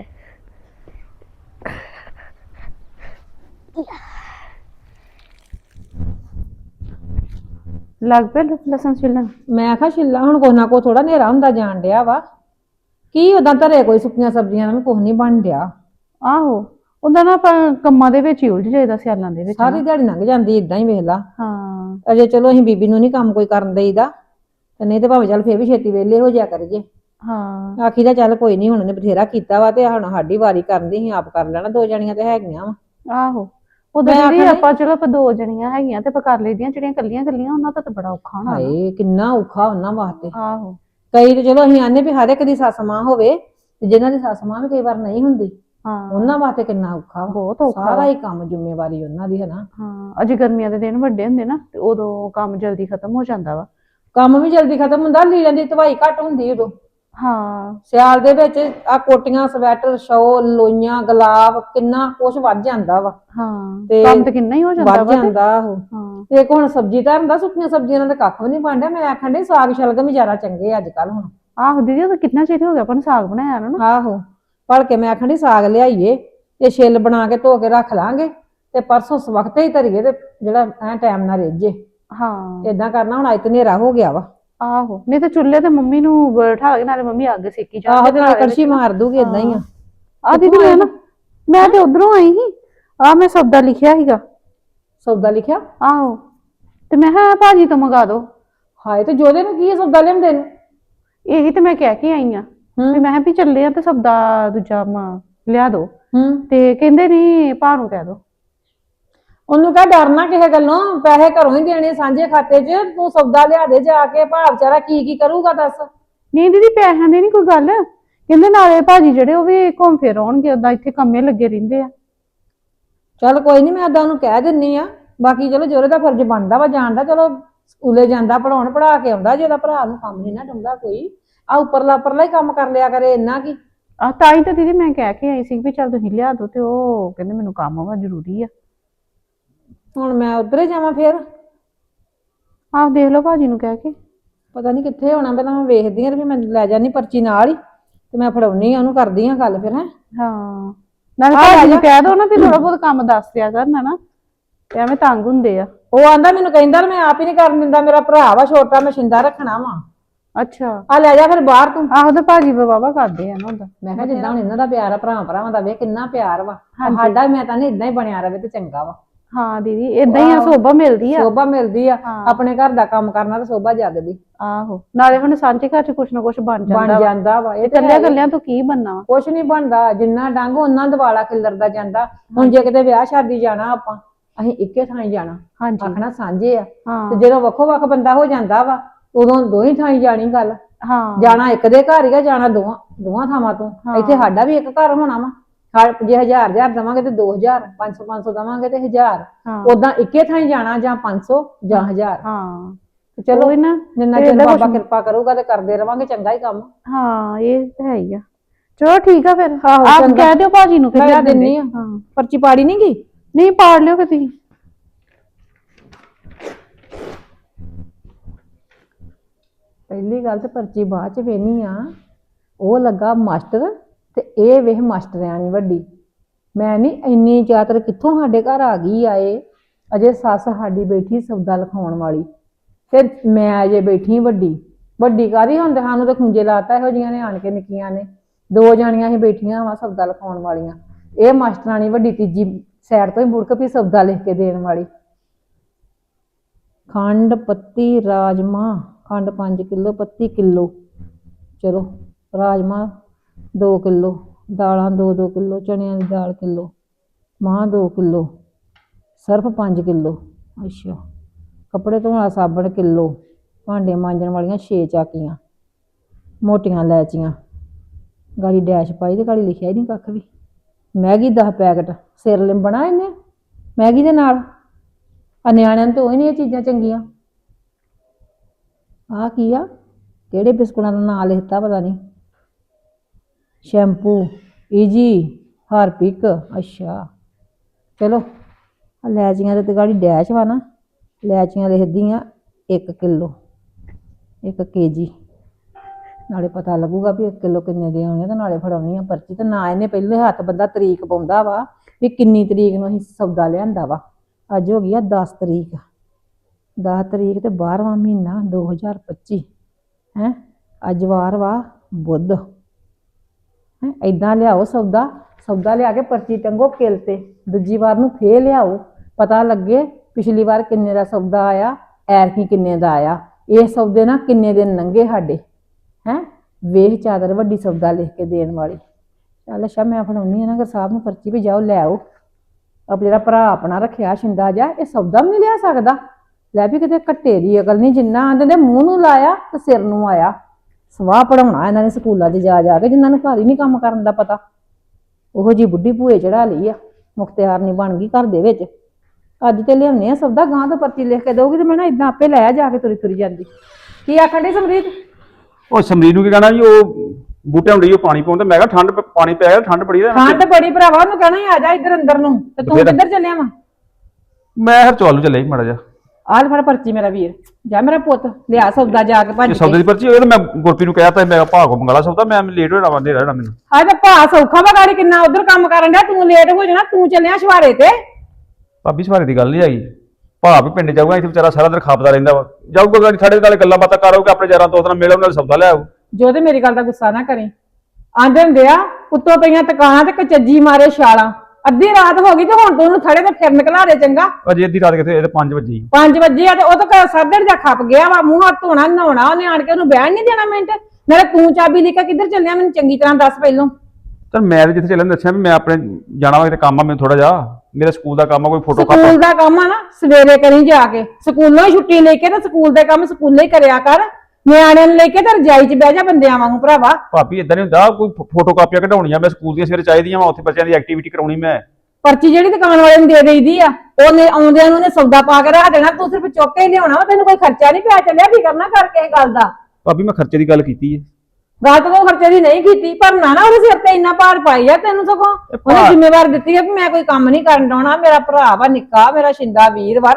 [SPEAKER 2] ਲੱਗ ਪਿਆ ਲਸਣ ਛਿੱਲਣ?
[SPEAKER 4] ਮੈਂ ਆਖਾ ਛਿੱਲਾ ਹੁਣ ਕੋਈ ਨਾ ਕੋ ਥੋੜਾ ਹਨੇਰਾ ਹੁੰਦਾ ਜਾਣ ਡਿਆ ਵਾ, ਕੀ ਉਦਾਂ ਧਰੇ ਕੋਈ ਸੁੱਕੀਆਂ ਸਬਜ਼ੀਆਂ ਨਾਲ ਕੁਝ ਨਹੀਂ ਬਣ ਡਿਆ।
[SPEAKER 2] ਆਹੋ ਉਹਦਾ ਨਾ ਆਪਾਂ ਕੰਮਾਂ ਦੇ ਵਿੱਚ ਹੀ ਉਲਝ ਜਾਈਦਾ ਸਿਆਲਾਂ ਦੇ ਵਿੱਚ।
[SPEAKER 4] ਸਾਰੀ ਦਿਹਾੜੀ ਲੰਘ ਜਾਂਦੀ ਇਦਾਂ ਹੀ, ਵੇਖ ਲਾ।
[SPEAKER 2] ਹਾਂ
[SPEAKER 4] ਅਜੇ ਚਲੋ ਅਸੀਂ ਬੀਬੀ ਨੂੰ ਨਹੀਂ ਕੰਮ ਕੋਈ ਕਰਨ ਦੇਈਦਾ, ਤੇ ਨਹੀਂ ਤੇ ਭਾਵੇਂ ਚੱਲ ਫੇਰ ਵੀ ਛੇਤੀ ਵਿਹਲੇ ਹੋ ਜਾ ਕਰੀਏ।
[SPEAKER 2] ਹਾਂ
[SPEAKER 4] ਆਖੀ ਦਾ ਚੱਲ ਕੋਈ ਨਹੀਂ, ਹੁਣ ਉਹਨੇ ਬਥੇਰਾ ਕੀਤਾ ਵਾ ਤੇ ਹੁਣ ਸਾਡੀ ਵਾਰੀ ਕਰਨ ਦੀ, ਅਸੀਂ ਆਪ ਕਰ ਲੈਣਾ, ਦੋ ਜਣੀਆਂ ਤੇ ਹੈਗੀਆਂ ਵਾ।
[SPEAKER 2] ਆਹੋ ਉਦੋਂ
[SPEAKER 4] ਮੈਂ
[SPEAKER 2] ਵੀ
[SPEAKER 4] ਆਖਣ
[SPEAKER 2] ਆਪਾਂ ਚਲੋ ਆਪਾਂ ਦੋ ਜਣੀਆਂ ਹੈਗੀਆਂ ਤੇ ਆਪਾਂ ਕਰ ਲਈਦੀਆਂ, ਜਿਹੜੀਆਂ ਕੱਲੀਆਂ ਕੱਲੀਆਂ ਉਹਨਾਂ ਦਾ ਤਾਂ ਬੜਾ ਔਖਾ ਹੋਣਾ ਨਾ।
[SPEAKER 4] ਹਾਏ ਕਿੰਨਾ ਔਖਾ ਉਹਨਾਂ ਵਾਸਤੇ।
[SPEAKER 2] ਆਹੋ
[SPEAKER 4] ਕਈ ਤੇ ਚਲੋ ਅਸੀਂ ਆਨੇ ਵੀ ਹਰ ਇੱਕ ਦੀ ਸੱਸ ਮਾਂ ਹੋਵੇ, ਤੇ ਜਿਨ੍ਹਾਂ ਦੀ ਸੱਸ ਮਾਂ ਵੀ ਕਈ ਵਾਰ ਨਹੀਂ ਹੁੰਦੀ,
[SPEAKER 2] ਹਾਂ
[SPEAKER 4] ਉਹਨਾਂ ਵਾਸਤੇ ਕਿੰਨਾ ਔਖਾ ਵਾ।
[SPEAKER 2] ਬਹੁਤ ਔਖਾ
[SPEAKER 4] ਸਾਰਾ
[SPEAKER 2] ਵਾ।
[SPEAKER 4] ਹੀ ਕੰਮ ਜ਼ਿੰਮੇਵਾਰੀ ਉਹਨਾਂ ਦੀ ਹੈ ਨਾ।
[SPEAKER 2] ਹਾਂ ਅਜੇ ਗਰਮੀਆਂ ਦੇ ਦਿਨ ਵੱਡੇ ਹੁੰਦੇ ਨਾ ਤੇ ਉਦੋਂ ਕੰਮ ਜਲਦੀ ਖਤਮ ਹੋ ਜਾਂਦਾ ਵਾ।
[SPEAKER 4] ਕੰਮ ਵੀ ਜਲਦੀ ਖਤਮ ਹੁੰਦਾ, ਲੀੜਾਂ ਦੀ ਧਵਾਈ ਘੱਟ ਹੁੰਦੀ ਉਦੋਂ।
[SPEAKER 2] ਹਾਂ
[SPEAKER 4] ਸਿਆਲ ਦੇ ਵਿੱਚ ਆ ਕੋਟੀਆਂ, ਸਵੈਟਰ, ਸ਼ਾਲ, ਲੋਈਆਂ, ਗੁਲਾਬ, ਕਿੰਨਾ ਕੁਛ ਵੱਧ ਜਾਂਦਾ ਵਾ।
[SPEAKER 2] ਹਾਂ
[SPEAKER 4] ਤੇ
[SPEAKER 2] ਕੰਮ ਤਾਂ ਕਿੰਨਾ ਹੀ ਹੋ ਜਾਂਦਾ
[SPEAKER 4] ਵੱਧ
[SPEAKER 2] ਵਾ ਤੇ।
[SPEAKER 4] ਜਾਂਦਾ ਆਹੋ।
[SPEAKER 2] ਹਾਂ
[SPEAKER 4] ਤੇ ਇੱਕ ਹੁਣ ਸਬਜ਼ੀ ਧਰਨ ਦਾ, ਸੁੱਕੀਆਂ ਸਬਜ਼ੀਆਂ ਨਾਲ ਤਾਂ ਕੱਖ ਵੀ ਨਹੀਂ ਬਣਦਾ। ਮੈਂ ਆਖਣ ਡਈ ਸਾਗ ਸ਼ਲਗਮ ਹੀ ਜ਼ਿਆਦਾ ਚੰਗੇ ਅੱਜ ਕੱਲ ਹੁਣ।
[SPEAKER 2] ਆਹੋ ਦੀਦੀ ਉਹ ਤਾਂ ਕਿੰਨਾ ਚਿਰ ਹੋ ਗਿਆ ਆਪਾਂ ਨੂੰ ਸਾਗ ਬਣਾਇਆ ਨਾ।
[SPEAKER 4] ਆਹੋ ਭਲ ਕੇ ਮੈਂ ਆਖਣ ਡਈ ਸਾਗ ਲਿਆਈਏ ਤੇ ਛਿੱਲ ਬਣਾ ਕੇ ਧੋ ਕੇ ਰੱਖ ਲਾਂਗੇ, ਤੇ ਪਰਸੋਂ ਸਵਖਤੇ ਹੀ ਧਰੀਏ ਤੇ ਜਿਹੜਾ ਐ ਟਾਈਮ ਨਾਲ ਰਿੱਝੇ।
[SPEAKER 2] ਹਾਂ
[SPEAKER 4] ਏਦਾਂ ਕਰਨਾ, ਹੁਣ ਅੱਜ ਤੇ ਹਨੇਰਾ ਹੋ ਗਿਆ ਵਾ।
[SPEAKER 2] ਆਹੋ ਨਹੀਂ ਤਾਂ ਚੁੱਲ੍ਹੇ ਤੇ ਮੰਮੀ ਨੂੰ ਬਿਠਾ ਕੇ ਨਾਲੇ ਮੰਮੀ ਅੱਗ ਸੇਕੀ
[SPEAKER 4] ਆਹੋ
[SPEAKER 2] ਜਾਂਦੇ
[SPEAKER 4] ਨਾਲ ਕੜਛੀ ਮਾਰ ਦੂਗੀ, ਏਦਾਂ ਹੀ ਆ।
[SPEAKER 2] ਆ ਦੀਦੀ ਮੈਂ ਨਾ ਮੈਂ ਤੇ ਉਧਰੋਂ ਆਈ ਸੀ, ਆ ਮੈਂ ਸੌਦਾ ਲਿਖਿਆ ਸੀਗਾ।
[SPEAKER 4] ਸੌਦਾ ਲਿਖਿਆ?
[SPEAKER 2] ਆਹੋ ਤੇ ਮੈਂ ਕਿਹਾ ਭਾਜੀ ਤੋਂ ਮੰਗਾ ਦੋ।
[SPEAKER 4] ਹਾਏ ਤੇ ਜੋਦੇ ਨੂੰ ਕੀ ਸੌਦਾ ਲਿਆਉਂਦੇ ਨੂੰ?
[SPEAKER 2] ਇਹੀ ਤੇ ਮੈਂ ਕਹਿ ਕੇ ਆਈ ਆ ਵੀ ਮੈਂ ਕਿਹਾ ਵੀ ਚੱਲੇ ਆ ਤੇ ਸੌਦਾ ਦੂਜਾ ਮ- ਲਿਆ ਦੋ।
[SPEAKER 4] ਹੂੰ
[SPEAKER 2] ਤੇ ਕਹਿੰਦੇ ਨਹੀਂ ਭਾ ਨੂੰ ਕਹਿ ਦੋ।
[SPEAKER 4] ਉਹਨੂੰ ਕਹਿ ਡਰਨਾ ਕਿਸੇ ਗੱਲੋਂ, ਪੈਸੇ ਘਰੋਂ ਹੀ ਦੇਣੇ ਸਾਂਝੇ ਖਾਤੇ 'ਚ, ਤੂੰ ਸੌਦਾ ਲਿਆ ਦੇ ਜਾ ਕੇ। ਭਾ ਵਿਚਾਰਾ ਕੀ ਕੀ ਕਰੂਗਾ ਦੱਸ।
[SPEAKER 2] ਨਹੀਂ ਦੀਦੀ ਪੈਸਿਆਂ ਦੀ ਨਹੀਂ ਕੋਈ ਗੱਲ, ਕਹਿੰਦੇ ਨਾਲੇ ਭਾਜੀ ਜਿਹੜੇ ਉਹ ਵੀ ਘੁੰਮ ਫਿਰ ਆਉਣਗੇ, ਓਦਾਂ ਇੱਥੇ ਕੰਮੇ ਲੱਗੇ ਰਹਿੰਦੇ ਆ।
[SPEAKER 4] ਚੱਲ ਕੋਈ ਨਹੀਂ, ਮੈਂ ਏਦਾਂ ਉਹਨੂੰ ਕਹਿ ਦਿੰਨੀ ਆ। ਬਾਕੀ ਚਲੋ ਜੋਰੇ ਦਾ ਫਰਜ਼ ਬਣਦਾ ਵਾ ਜਾਣ ਦਾ, ਚਲੋ ਸਕੂਲੇ ਜਾਂਦਾ, ਪੜਾਉਣ ਪੜਾ ਕੇ ਆਉਂਦਾ। ਜੇ ਉਹਦਾ ਭਰਾ ਨੂੰ ਕੰਮ ਨਹੀਂ ਨਾ ਡਾਉਂਦਾ ਕੋਈ, ਆ ਉੱਪਰਲਾ ਉੱਪਰਲਾ ਹੀ ਕੰਮ ਕਰ ਲਿਆ ਕਰੇ, ਇੰਨਾ ਕੀ।
[SPEAKER 2] ਆ ਤਾਂ ਹੀ ਤਾਂ ਦੀਦੀ ਮੈਂ ਕਹਿ ਕੇ ਆਈ ਸੀ ਵੀ ਚੱਲ ਤੁਸੀਂ ਲਿਆ ਦੋ, ਤੇ ਉਹ ਕਹਿੰਦੇ ਮੈਨੂੰ ਕੰਮ ਵਾ ਜ਼ਰੂਰੀ ਆ।
[SPEAKER 4] ਹੁਣ ਮੈਂ ਉਧਰੇ ਜਾਵਾਂ ਫੇਰ?
[SPEAKER 2] ਆਹ ਦੇਖ ਲਓ ਭਾਜੀ ਨੂੰ ਕਹਿ ਕੇ।
[SPEAKER 4] ਪਤਾ ਨਹੀਂ ਕਿੱਥੇ ਹੋਣਾ, ਪਹਿਲਾਂ ਮੈਂ ਵੇਖਦੀ ਆ ਤੇ ਫਿਰ ਮੈਂ ਲੈ ਜਾਨੀ ਪਰਚੀ ਨਾਲ ਹੀ ਤੇ ਮੈਂ ਫੜਾਉਣੀ ਆ ਉਹਨੂੰ, ਕਰਦੀ ਆ ਗੱਲ ਫਿਰ ਹੈ।
[SPEAKER 2] ਹਾਂ ਨਾਲੇ
[SPEAKER 4] ਆ
[SPEAKER 2] ਭਾਜੀ ਨੂੰ
[SPEAKER 4] ਜਾ।
[SPEAKER 2] ਕਹਿ ਦੋ ਨਾ ਵੀ ਥੋੜਾ ਬਹੁਤ ਕੰਮ ਦੱਸ ਦਿਆ ਕਰਨਾ ਨਾ, ਤੇ ਐਵੇਂ ਤੰਗ ਹੁੰਦੇ ਆ।
[SPEAKER 4] ਉਹ ਆਂਦਾ ਮੈਨੂੰ ਕਹਿੰਦਾ ਮੈਂ ਆਪ ਹੀ ਨਹੀਂ ਕਰਨ ਦਿੰਦਾ, ਮੇਰਾ ਭਰਾ ਵਾ ਛੋਟਾ, ਮੈਂ ਸ਼ਿੰਦਾ ਰੱਖਣਾ ਵਾ।
[SPEAKER 2] ਅੱਛਾ
[SPEAKER 4] ਆ ਲੈ ਜਾ ਫਿਰ ਬਾਹਰ ਤੂੰ।
[SPEAKER 2] ਆਹੋ ਤੇ ਭਾਜੀ ਵਾਵਾ ਕਰਦੇ ਆ ਨਾ ਉਹਦਾ।
[SPEAKER 4] ਮੈਂ ਕਿਹਾ ਜਿੱਦਾਂ ਹੁਣ ਇਹਨਾਂ ਦਾ ਪਿਆਰ ਆ, ਭਰਾ ਭਰਾਵਾਂ ਦਾ ਵੇ ਕਿੰਨਾ ਪਿਆਰ ਵਾ,
[SPEAKER 2] ਹਾਂਜੀ।
[SPEAKER 4] ਸਾਡਾ ਮੈਂ ਤਾਂ ਨਹੀਂ ਇਦਾਂ ਹੀ ਬਣਿਆ ਰਵੇ ਤੇ ਚੰਗਾ ਵਾ।
[SPEAKER 2] ਹਾਂ ਦੀਦੀ ਏਦਾਂ ਹੀ ਆ,
[SPEAKER 4] ਆਹੋ।
[SPEAKER 2] ਸੋਭਾ ਮਿਲਦੀ ਆ।
[SPEAKER 4] ਸੋਭਾ ਮਿਲਦੀ ਆ,
[SPEAKER 2] ਹਾਂ।
[SPEAKER 4] ਆਪਣੇ ਘਰ ਦਾ ਕੰਮ ਕਰਨਾ ਤੇ ਸੋਭਾ ਜਗਦੀ
[SPEAKER 2] ਆਹੋ ਨਾਲੇ ਹੁਣ ਸਾਂਝੇ ਘਰ ਚ ਕੁਛ ਨਾ ਕੁਛ ਬਣ
[SPEAKER 4] ਬਣ
[SPEAKER 2] ਜਾਂਦਾ ਵਾ।
[SPEAKER 4] ਜਾਂਦਾ ਵਾ। ਇਹ
[SPEAKER 2] ਕੱਲਿਆਂ ਕੱਲਿਆਂ ਤੋਂ ਕੀ ਬਣਨਾ ਵਾ।
[SPEAKER 4] ਕੁਛ ਨਹੀਂ ਬਣਦਾ, ਜਿੰਨਾ ਡੰਗ ਉਹਨਾਂ ਦਿਵਾਲਾ ਖਿਲਰਦਾ ਜਾਂਦਾ। ਹੁਣ ਜੇ ਕਿਤੇ ਵਿਆਹ ਸ਼ਾਦੀ ਜਾਣਾ ਆਪਾਂ, ਅਸੀਂ ਇੱਕੇ ਥਾਂ ਹੀ ਜਾਣਾ,
[SPEAKER 2] ਹਾਂਜੀ
[SPEAKER 4] ਆਖਣਾ ਸਾਂਝੇ ਆ। ਤੇ
[SPEAKER 2] ਹਾਂ
[SPEAKER 4] ਜਦੋਂ ਵੱਖੋ ਵੱਖ ਬੰਦਾ ਹੋ ਜਾਂਦਾ ਵਾ ਉਦੋਂ ਦੋਹੀ ਥਾਂ ਹੀ ਜਾਣੀ ਗੱਲ।
[SPEAKER 2] ਹਾਂ
[SPEAKER 4] ਜਾਣਾ ਇੱਕ ਦੇ ਘਰ ਹੀ ਆ, ਜਾਣਾ ਦੋਵਾਂ ਦੋਵਾਂ ਥਾਵਾਂ ਤੋਂ।
[SPEAKER 2] ਹਾਂ।
[SPEAKER 4] ਇੱਥੇ ਸਾਡਾ ਵੀ ਇੱਕ ਘਰ ਹੋਣਾ ਵਾ। ਹਰ- ਜੇ ਹਜ਼ਾਰ ਹਜ਼ਾਰ ਦੇਵਾਂਗੇ ਤੇ ਦੋ ਹਜ਼ਾਰ, ਪੰਜ ਸੌ ਪੰਜ ਸੌ ਦੇਵਾਂਗੇ ਤੇ ਹਜ਼ਾਰ।
[SPEAKER 2] ਹਾਂ
[SPEAKER 4] ਉਦਾਂ ਇੱਕੇ ਥਾਂ ਹੀ ਜਾਣਾ, ਜਾਂ ਪੰਜ ਸੌ ਜਾਂ ਹਜ਼ਾਰ।
[SPEAKER 2] ਹਾਂ
[SPEAKER 4] ਤੇ ਚਲੋ
[SPEAKER 2] ਉਹੀ ਨਾ
[SPEAKER 4] ਜਿੰਨਾ
[SPEAKER 2] ਤੇ
[SPEAKER 4] ਚਿਰ
[SPEAKER 2] ਏਦਾਂ
[SPEAKER 4] ਬਾਬਾ
[SPEAKER 2] ਕੁਛ-
[SPEAKER 4] ਕਿਰਪਾ ਕਰੂਗਾ ਤੇ ਕਰਦੇ ਰਵਾਂਗੇ, ਚੰਗਾ ਹੀ ਕੰਮ।
[SPEAKER 2] ਹਾਂ ਇਹ ਤਾਂ ਹੈ ਹੀ ਆ। ਚਲੋ ਠੀਕ ਆ ਫਿਰ
[SPEAKER 4] ਆਹੋ,
[SPEAKER 2] ਆਪ
[SPEAKER 4] ਚੰਗਾ।
[SPEAKER 2] ਕਹਿ ਦਿਓ ਭਾਜੀ ਨੂੰ ਫਿਰ
[SPEAKER 4] ਮੈਂ
[SPEAKER 2] ਲਿਆ
[SPEAKER 4] ਦਿੰਨੀ
[SPEAKER 2] ਦਿੰਦੇ
[SPEAKER 4] ਆ।
[SPEAKER 2] ਹਾਂ
[SPEAKER 4] ਪਰਚੀ ਪਾੜੀ ਨੀ ਗੀ।
[SPEAKER 2] ਨਹੀਂ ਪਾੜ ਲਿਓ ਕਿ ਤੁਸੀਂ।
[SPEAKER 4] ਪਹਿਲੀ ਗੱਲ ਤੇ ਪਰਚੀ ਬਾਅਦ ਚ ਵੇਨੀ ਆ। ਉਹ ਲੱਗਾ ਮਾਸਟਰ ਤੇ ਇਹ ਵੇਖ ਮਾਸਟਰਿਆਣੀ ਵੱਡੀ। ਮੈਂ ਨਹੀਂ ਇੰਨੀ ਚਾਤਰ ਕਿੱਥੋਂ ਸਾਡੇ ਘਰ ਆ ਗਈ ਆਏ। ਅਜੇ ਸੱਸ ਸਾਡੀ ਬੈਠੀ ਸੌਦਾ ਲਿਖਾਉਣ ਵਾਲੀ, ਤੇ ਮੈਂ ਅਜੇ ਬੈਠੀ ਵੱਡੀ। ਵੱਡੀ ਕਾਹਦੀ ਹੁੰਦੇ, ਸਾਨੂੰ ਤਾਂ ਖੁੰਝੇ ਲਾਤਾ ਇਹੋ ਜਿਹੀਆਂ ਨੇ ਆਣ ਕੇ, ਨਿੱਕੀਆਂ ਨੇ ਦੋ ਜਾਣੀਆਂ ਹੀ ਬੈਠੀਆਂ ਵਾ ਸੌਦਾ ਲਿਖਾਉਣ ਵਾਲੀਆਂ। ਇਹ ਮਾਸਟਰਾਣੀ ਵੱਡੀ ਤੀਜੀ ਸਾਈਡ ਤੋਂ ਹੀ ਮੁੜ ਕੇ ਵੀ ਸੌਦਾ ਲਿਖ ਕੇ ਦੇਣ ਵਾਲੀ। ਖੰਡ ਪੱਤੀ ਰਾਜਮਾ, ਖੰਡ ਪੰਜ ਕਿਲੋ, ਪੱਤੀ ਕਿਲੋ। ਚਲੋ ਰਾਜਮਾ ਦੋ ਕਿਲੋ, ਦਾਲਾਂ ਦੋ ਦੋ ਕਿਲੋ, ਚਣਿਆਂ ਦੀ ਦਾਲ ਕਿਲੋ, ਮਾਂਹ ਦੋ ਕਿਲੋ, ਸਰਫ ਪੰਜ ਕਿਲੋ। ਅੱਛਾ ਕੱਪੜੇ ਧੋਣ ਵਾਲਾ ਸਾਬਣ ਕਿਲੋ, ਭਾਂਡੇ ਮਾਂਜਣ ਵਾਲੀਆਂ ਛੇ ਚਾਕੀਆਂ, ਮੋਟੀਆਂ ਇਲਾਇਚੀਆਂ। ਗਾੜੀ ਡੈਸ਼ ਪਾਈ ਤੇ ਗਾੜੀ ਲਿਖਿਆ ਹੀ ਨਹੀਂ ਕੱਖ ਵੀ। ਮੈਗੀ ਦਸ ਪੈਕਟ, ਸਿਰ ਲਿੰਬਣਾ ਇਹਨੇ ਮੈਗੀ ਦੇ ਨਾਲ। ਆ ਨਿਆਣਿਆਂ ਨੂੰ ਤਾਂ ਉਹੀ ਨਹੀਂ ਇਹ ਚੀਜ਼ਾਂ ਚੰਗੀਆਂ। ਆਹ ਕੀ ਆ, ਕਿਹੜੇ ਬਿਸਕੁਟਾਂ ਦਾ ਨਾਂ ਲਿਖਤਾ ਪਤਾ ਨਹੀਂ। Shampoo, easy, Harpic. ਅੱਛਾ ਚਲੋ ਇਲਾਇਚੀਆਂ ਦੇ ਤੇ ਗਾੜੀ ਡੈਸ਼ ਵਾ ਨਾ, ਇਲਾਇਚੀਆਂ ਲਿਖਦੀ ਆ ਇੱਕ ਕਿਲੋ, ਇੱਕ ਕੇ ਜੀ। ਨਾਲੇ ਪਤਾ ਲੱਗੂਗਾ ਵੀ ਇੱਕ ਕਿਲੋ ਕਿੰਨੇ ਦੇ ਆਉਣੇ, ਤੇ ਨਾਲੇ ਫੜਾਉਣੀ ਆ ਪਰਚੀ। ਤੇ ਨਾ ਇਹਨੇ ਪਹਿਲੇ ਹੱਥ ਬੰਦਾ ਤਰੀਕ ਪਾਉਂਦਾ ਵਾ ਵੀ ਕਿੰਨੀ ਤਰੀਕ ਨੂੰ ਅਸੀਂ ਸੌਦਾ ਲਿਆਂਦਾ ਵਾ। ਅੱਜ ਹੋ ਗਈ ਆ ਦਸ ਤਰੀਕ, ਦਸ ਤਰੀਕ ਤੇ ਬਾਰਵਾਂ ਮਹੀਨਾ ਦੋ ਹਜ਼ਾਰ ਪੱਚੀ ਹੈ। ਅੱਜ ਵਾਰ ਵਾ ਬੁੱਧ ਹੈ। ਏਦਾਂ ਲਿਆਓ ਸੌਦਾ, ਸੌਦਾ ਲਿਆ ਕੇ ਪਰਚੀ ਟੰਗੋ ਕਿਲ ਤੇ। ਦੂਜੀ ਵਾਰ ਨੂੰ ਫੇਰ ਲਿਆਓ, ਪਤਾ ਲੱਗੇ ਪਿਛਲੀ ਵਾਰ ਕਿੰਨੇ ਦਾ ਸੌਦਾ ਆਇਆ, ਐਰਕੀ ਕਿੰਨੇ ਦਾ ਆਇਆ। ਇਹ ਸੌਦੇ ਨਾਲ ਕਿੰਨੇ ਦਿਨ ਲੰਘੇ ਸਾਡੇ ਹੈ। ਵੇਖ ਚਾਦਰ ਵੱਡੀ ਸੌਦਾ ਲਿਖ ਕੇ ਦੇਣ ਵਾਲੀ। ਚੱਲ ਅੱਛਾ ਮੈਂ ਫੜਾਉਣੀ ਆ ਨਾ ਸਾਹਿਬ ਨੂੰ ਪਰਚੀ, ਵੀ ਜਾਓ ਲੈ ਆਓ। ਆਪ ਜਿਹੜਾ ਭਰਾ ਆਪਣਾ ਰੱਖਿਆ ਸ਼ਿੰਦਾ ਜਾ, ਇਹ ਸੌਦਾ ਵੀ ਨਹੀਂ ਲਿਆ ਸਕਦਾ। ਲੈ ਵੀ ਕਿਤੇ ਘੱਟੇ ਦੀ ਅਕਲ ਨਹੀਂ, ਜਿੰਨਾ ਆਂਦੇ ਨੇ ਮੂੰਹ ਨੂੰ ਲਾਇਆ ਤੇ ਸਿਰ ਨੂੰ ਆਇਆ। ਸਵਾਹ ਪੜਾਉਣਾ ਇਹਨਾਂ ਨੇ ਸਕੂਲਾਂ 'ਚ ਜਾ ਜਾ ਕੇ, ਜਿਨ੍ਹਾਂ ਨੂੰ ਘਰ ਹੀ ਨਹੀਂ ਕੰਮ ਕਰਨ ਦਾ ਪਤਾ। ਉਹੋ ਜੀ ਬੁੱਢੀ ਭੂਏ ਚੜਾ ਲਈ ਆ, ਮੁਖਤਿਆਰ ਨਹੀਂ ਬਣ ਗਈ ਘਰ ਦੇ ਵਿੱਚ। ਅੱਜ ਤੇ ਲਿਆਉਣੇ ਆ ਸੌਦਾ, ਗਾਂ ਤੋਂ ਪਰਚੀ ਲਿਖ ਕੇ ਦਊਗੀ ਤੇ ਮੈਂ ਨਾ ਇਦਾਂ ਆਪੇ ਲੈ ਜਾ ਕੇ ਤੁਰੀ ਤੁਰੀ ਜਾਂਦੀ। ਕੀ ਆਖਣ ਡਈ ਸਮਰੀਤ?
[SPEAKER 1] ਉਹ ਸਮਰੀਤ ਨੂੰ ਕੀ ਕਹਿਣਾ ਜੀ, ਉਹ ਬੂਟਿਆਂ ਨੂੰ ਪਾਣੀ ਪਾਉਂਦੇ। ਮੈਂ ਕਿਹਾ ਠੰਡ ਪਾਣੀ ਪੈ ਗਿਆ, ਠੰਡ ਬੜੀ ਆ।
[SPEAKER 4] ਠੰਡ ਬੜੀ ਭਰਾਵਾ, ਉਹਨੂੰ ਕਹਿਣਾ ਸੀ ਆ ਜਾ ਇੱਧਰ ਅੰਦਰ ਨੂੰ। ਤੇ ਤੂੰ
[SPEAKER 1] ਫਿਰ?
[SPEAKER 4] ਕਿੱਧਰ ਚੱਲਿਆ ਵਾ?
[SPEAKER 1] ਮੈਂ ਹਰ ਚੌਲ ਨੂੰ ਚੱਲਿਆ ਸੀ ਮਾੜਾ ਜਿਹਾ।
[SPEAKER 4] ਆਹ ਲੈ ਫੜ ਪਰਚੀ ਮੇਰਾ ਵੀਰ, ਜਾ ਮੇਰਾ ਪੁੱਤ ਲਿਆ ਸੌਦਾ ਜਾ ਕੇ ਭੱਜ
[SPEAKER 1] ਇਹ
[SPEAKER 4] ਕੇ।
[SPEAKER 1] ਸੌਦੇ ਦੀ ਪਰਚੀ ਉਹ ਤਾਂ ਮੈਂ ਗੁਰਪੀ ਨੂੰ ਕਹਿਤਾ, ਮੈਂ ਭਾਅ ਕੋ ਮੰਗਾ ਲਾ ਸੌਦਾ, ਮੈਂ ਲੇਟ ਹੋ ਜਾਣਾ, ਹਨੇਰਾ ਹੋਣਾ ਮੈਨੂੰ।
[SPEAKER 4] ਹਾਏ ਤੇ ਭਾ ਸੌਖਾ ਵਾ, ਗਾੜੀ ਕਿੰਨਾ ਉਧਰ ਕੰਮ ਕਰਨ ਡਿਆ, ਤੂੰ ਲੇਟ ਹੋ ਜਾਣਾ। ਤੂੰ ਚੱਲਿਆ ਸ਼ਵਾਰੇ ਤੇ।
[SPEAKER 1] ਭਾਬੀ ਸਵਾਰੇ ਦੀ ਗੱਲ ਨਹੀਂ ਹੈਗੀ, ਭਾਅ ਵੀ ਪਿੰਡ ਜਾਊਗਾ, ਇੱਥੇ ਵਿਚਾਰਾ ਸਾਰਾ ਦਿਨ ਖਾਪਦਾ ਰਹਿੰਦਾ ਵਾ। ਜਾਊਗਾ ਗਾੜੀ ਸਾਡੇ ਨਾਲ ਗੱਲਾਂ ਬਾਤਾਂ ਕਰੋਗੇ, ਆਪਣੇ ਯਾਰਾਂ ਦੋਸਤਾਂ ਨਾਲ ਮਿਲੋ, ਨਾਲ ਸੌਦਾ ਲੈ ਆਓ।
[SPEAKER 4] ਜੋ ਤੇ ਮੇਰੀ ਗੱਲ ਦਾ ਗੁੱਸਾ ਨਾ ਕਰੀ। ਆਂਦੇ ਹੁੰਦੇ ਆ ਉੱਤੋਂ ਪਈਆਂ ਤਕਾਲਾਂ ਤੇ ਕਚੱਜੀ ਮਾਰੇ ਛਾਲਾਂ। ਅੱਧੀ ਰਾਤ ਹੋ ਗਈ ਤੇ ਹੁਣ ਤੂੰ ਉਹਨੂੰ ਥੜੇ ਤੇ ਫਿਰ ਨਿਕਲਾ ਦੇ ਚੰਗਾ।
[SPEAKER 1] ਅਜੇ ਅੱਧੀ ਰਾਤ ਕਿੱਥੇ, ਇਹ ਤਾਂ ਪੰਜ ਵਜੇ ਹੀ।
[SPEAKER 4] ਪੰਜ ਵਜੇ ਆ ਤੇ ਉਹ ਤਾਂ ਸਾਢੇ ਜਾ ਖੱਪ ਗਿਆ ਵਾ। ਮੂੰਹ ਹੱਥ ਧੋਣਾ ਨਹਾਉਣਾ ਉਹਨੇ, ਆਣ ਕੇ ਉਹਨੂੰ ਬਹਿਣ ਨਹੀਂ ਦੇਣਾ ਮਿੰਟ। ਨਾਲੇ ਤੂੰ ਚਾਬੀ ਲੈ ਕੇ ਕਿੱਧਰ ਚੱਲਿਆ ਮੈਨੂੰ ਚੰਗੀ ਤਰ੍ਹਾਂ ਦੱਸ ਪਹਿਲੋਂ।
[SPEAKER 1] ਚਲ ਮੈਂ ਜਿੱਥੇ ਚੱਲਣ ਦੱਸਿਆ ਵੀ ਮੈਂ ਆਪਣੇ ਜਾਣਾ ਵਾ, ਕਿਤੇ ਕੰਮ ਆ ਮੈਨੂੰ ਥੋੜਾ ਜਿਹਾ, ਮੇਰਾ ਸਕੂਲ ਦਾ ਕੰਮ ਆ, ਕੋਈ ਫੋਟੋ ਕਾਪੀ।
[SPEAKER 4] ਸਕੂਲ ਦਾ ਕੰਮ ਆ ਨਾ ਸਵੇਰੇ ਕਰੀ ਜਾ ਕੇ, ਸਕੂਲੋਂ ਹੀ ਛੁੱਟੀ ਲੈ ਕੇ ਤੇ ਸਕੂਲ ਦੇ ਕੰਮ ਸਕੂਲੇ ਹੀ ਕਰਿਆ ਕਰ। ਨਿਆਣਿਆਂ ਨੂੰ ਲੈ ਕੇ ਤੇ ਰਜਾਈ 'ਚ ਬਹਿ ਜਾ ਬੰਦਿਆਂ ਵਾਂਗੂ ਭਰਾਵਾ।
[SPEAKER 1] ਭਾਬੀ ਇਦਾਂ ਨਹੀਂ ਹੁੰਦਾ, ਕੋਈ ਫੋਟੋ ਕਾਪੀਆਂ ਕਢਾਉਣੀਆਂ ਮੈਂ ਸਕੂਲ ਦੀਆਂ ਸਵੇਰੇ ਚਾਹੀਦੀਆਂ ਵਾ, ਉੱਥੇ ਬੱਚਿਆਂ ਦੀ ਐਕਟੀਵਿਟੀ ਕਰਾਉਣੀ ਮੈਂ।
[SPEAKER 4] ਪਰਚੀ ਜਿਹੜੀ ਦੁਕਾਨ ਵਾਲੇ ਨੂੰ ਦੇ ਦੇਈਦੀ ਆ, ਉਹਨੇ ਆਉਂਦਿਆਂ ਨੂੰ ਉਹਨੇ ਸੌਦਾ ਪਾ ਕੇ ਰੱਖ ਦੇਣਾ। ਤੂੰ ਸਿਰਫ ਚੁੱਕ ਕੇ ਲਿਆਉਣਾ ਵਾ, ਤੈਨੂੰ ਕੋਈ ਖਰਚਾ ਨਹੀਂ ਪਿਆ ਚੱਲਿਆ। ਕੀ ਕਰਨਾ ਕਰਕੇ ਇਹ ਗੱਲ ਦਾ?
[SPEAKER 1] ਭਾਬੀ ਮੈਂ ਖਰਚੇ ਦੀ ਗੱਲ ਕੀਤੀ ਹੈ।
[SPEAKER 4] ਗੱਲ ਤਾਂ ਤੂੰ ਖਰਚੇ ਦੀ ਨਹੀਂ ਕੀਤੀ, ਪਰ ਨਾ ਨਾ ਉਹਦੇ ਸਿਰ ਤੇ ਇੰਨਾ ਭਾਰ ਪਾਈ ਆ ਤੈਨੂੰ। ਸਗੋਂ ਉਹਨੇ ਜ਼ਿੰਮੇਵਾਰ ਦਿੱਤੀ ਆ ਵੀ ਮੈਂ ਕੋਈ ਕੰਮ ਨਹੀਂ ਕਰਨ ਡਾਉਣਾ। ਮੇਰਾ ਭਰਾ ਵਾ ਨਿੱਕਾ, ਮੇਰਾ ਸ਼ਿੰਦਾ ਵੀਰ ਵਾ, ਤੂੰ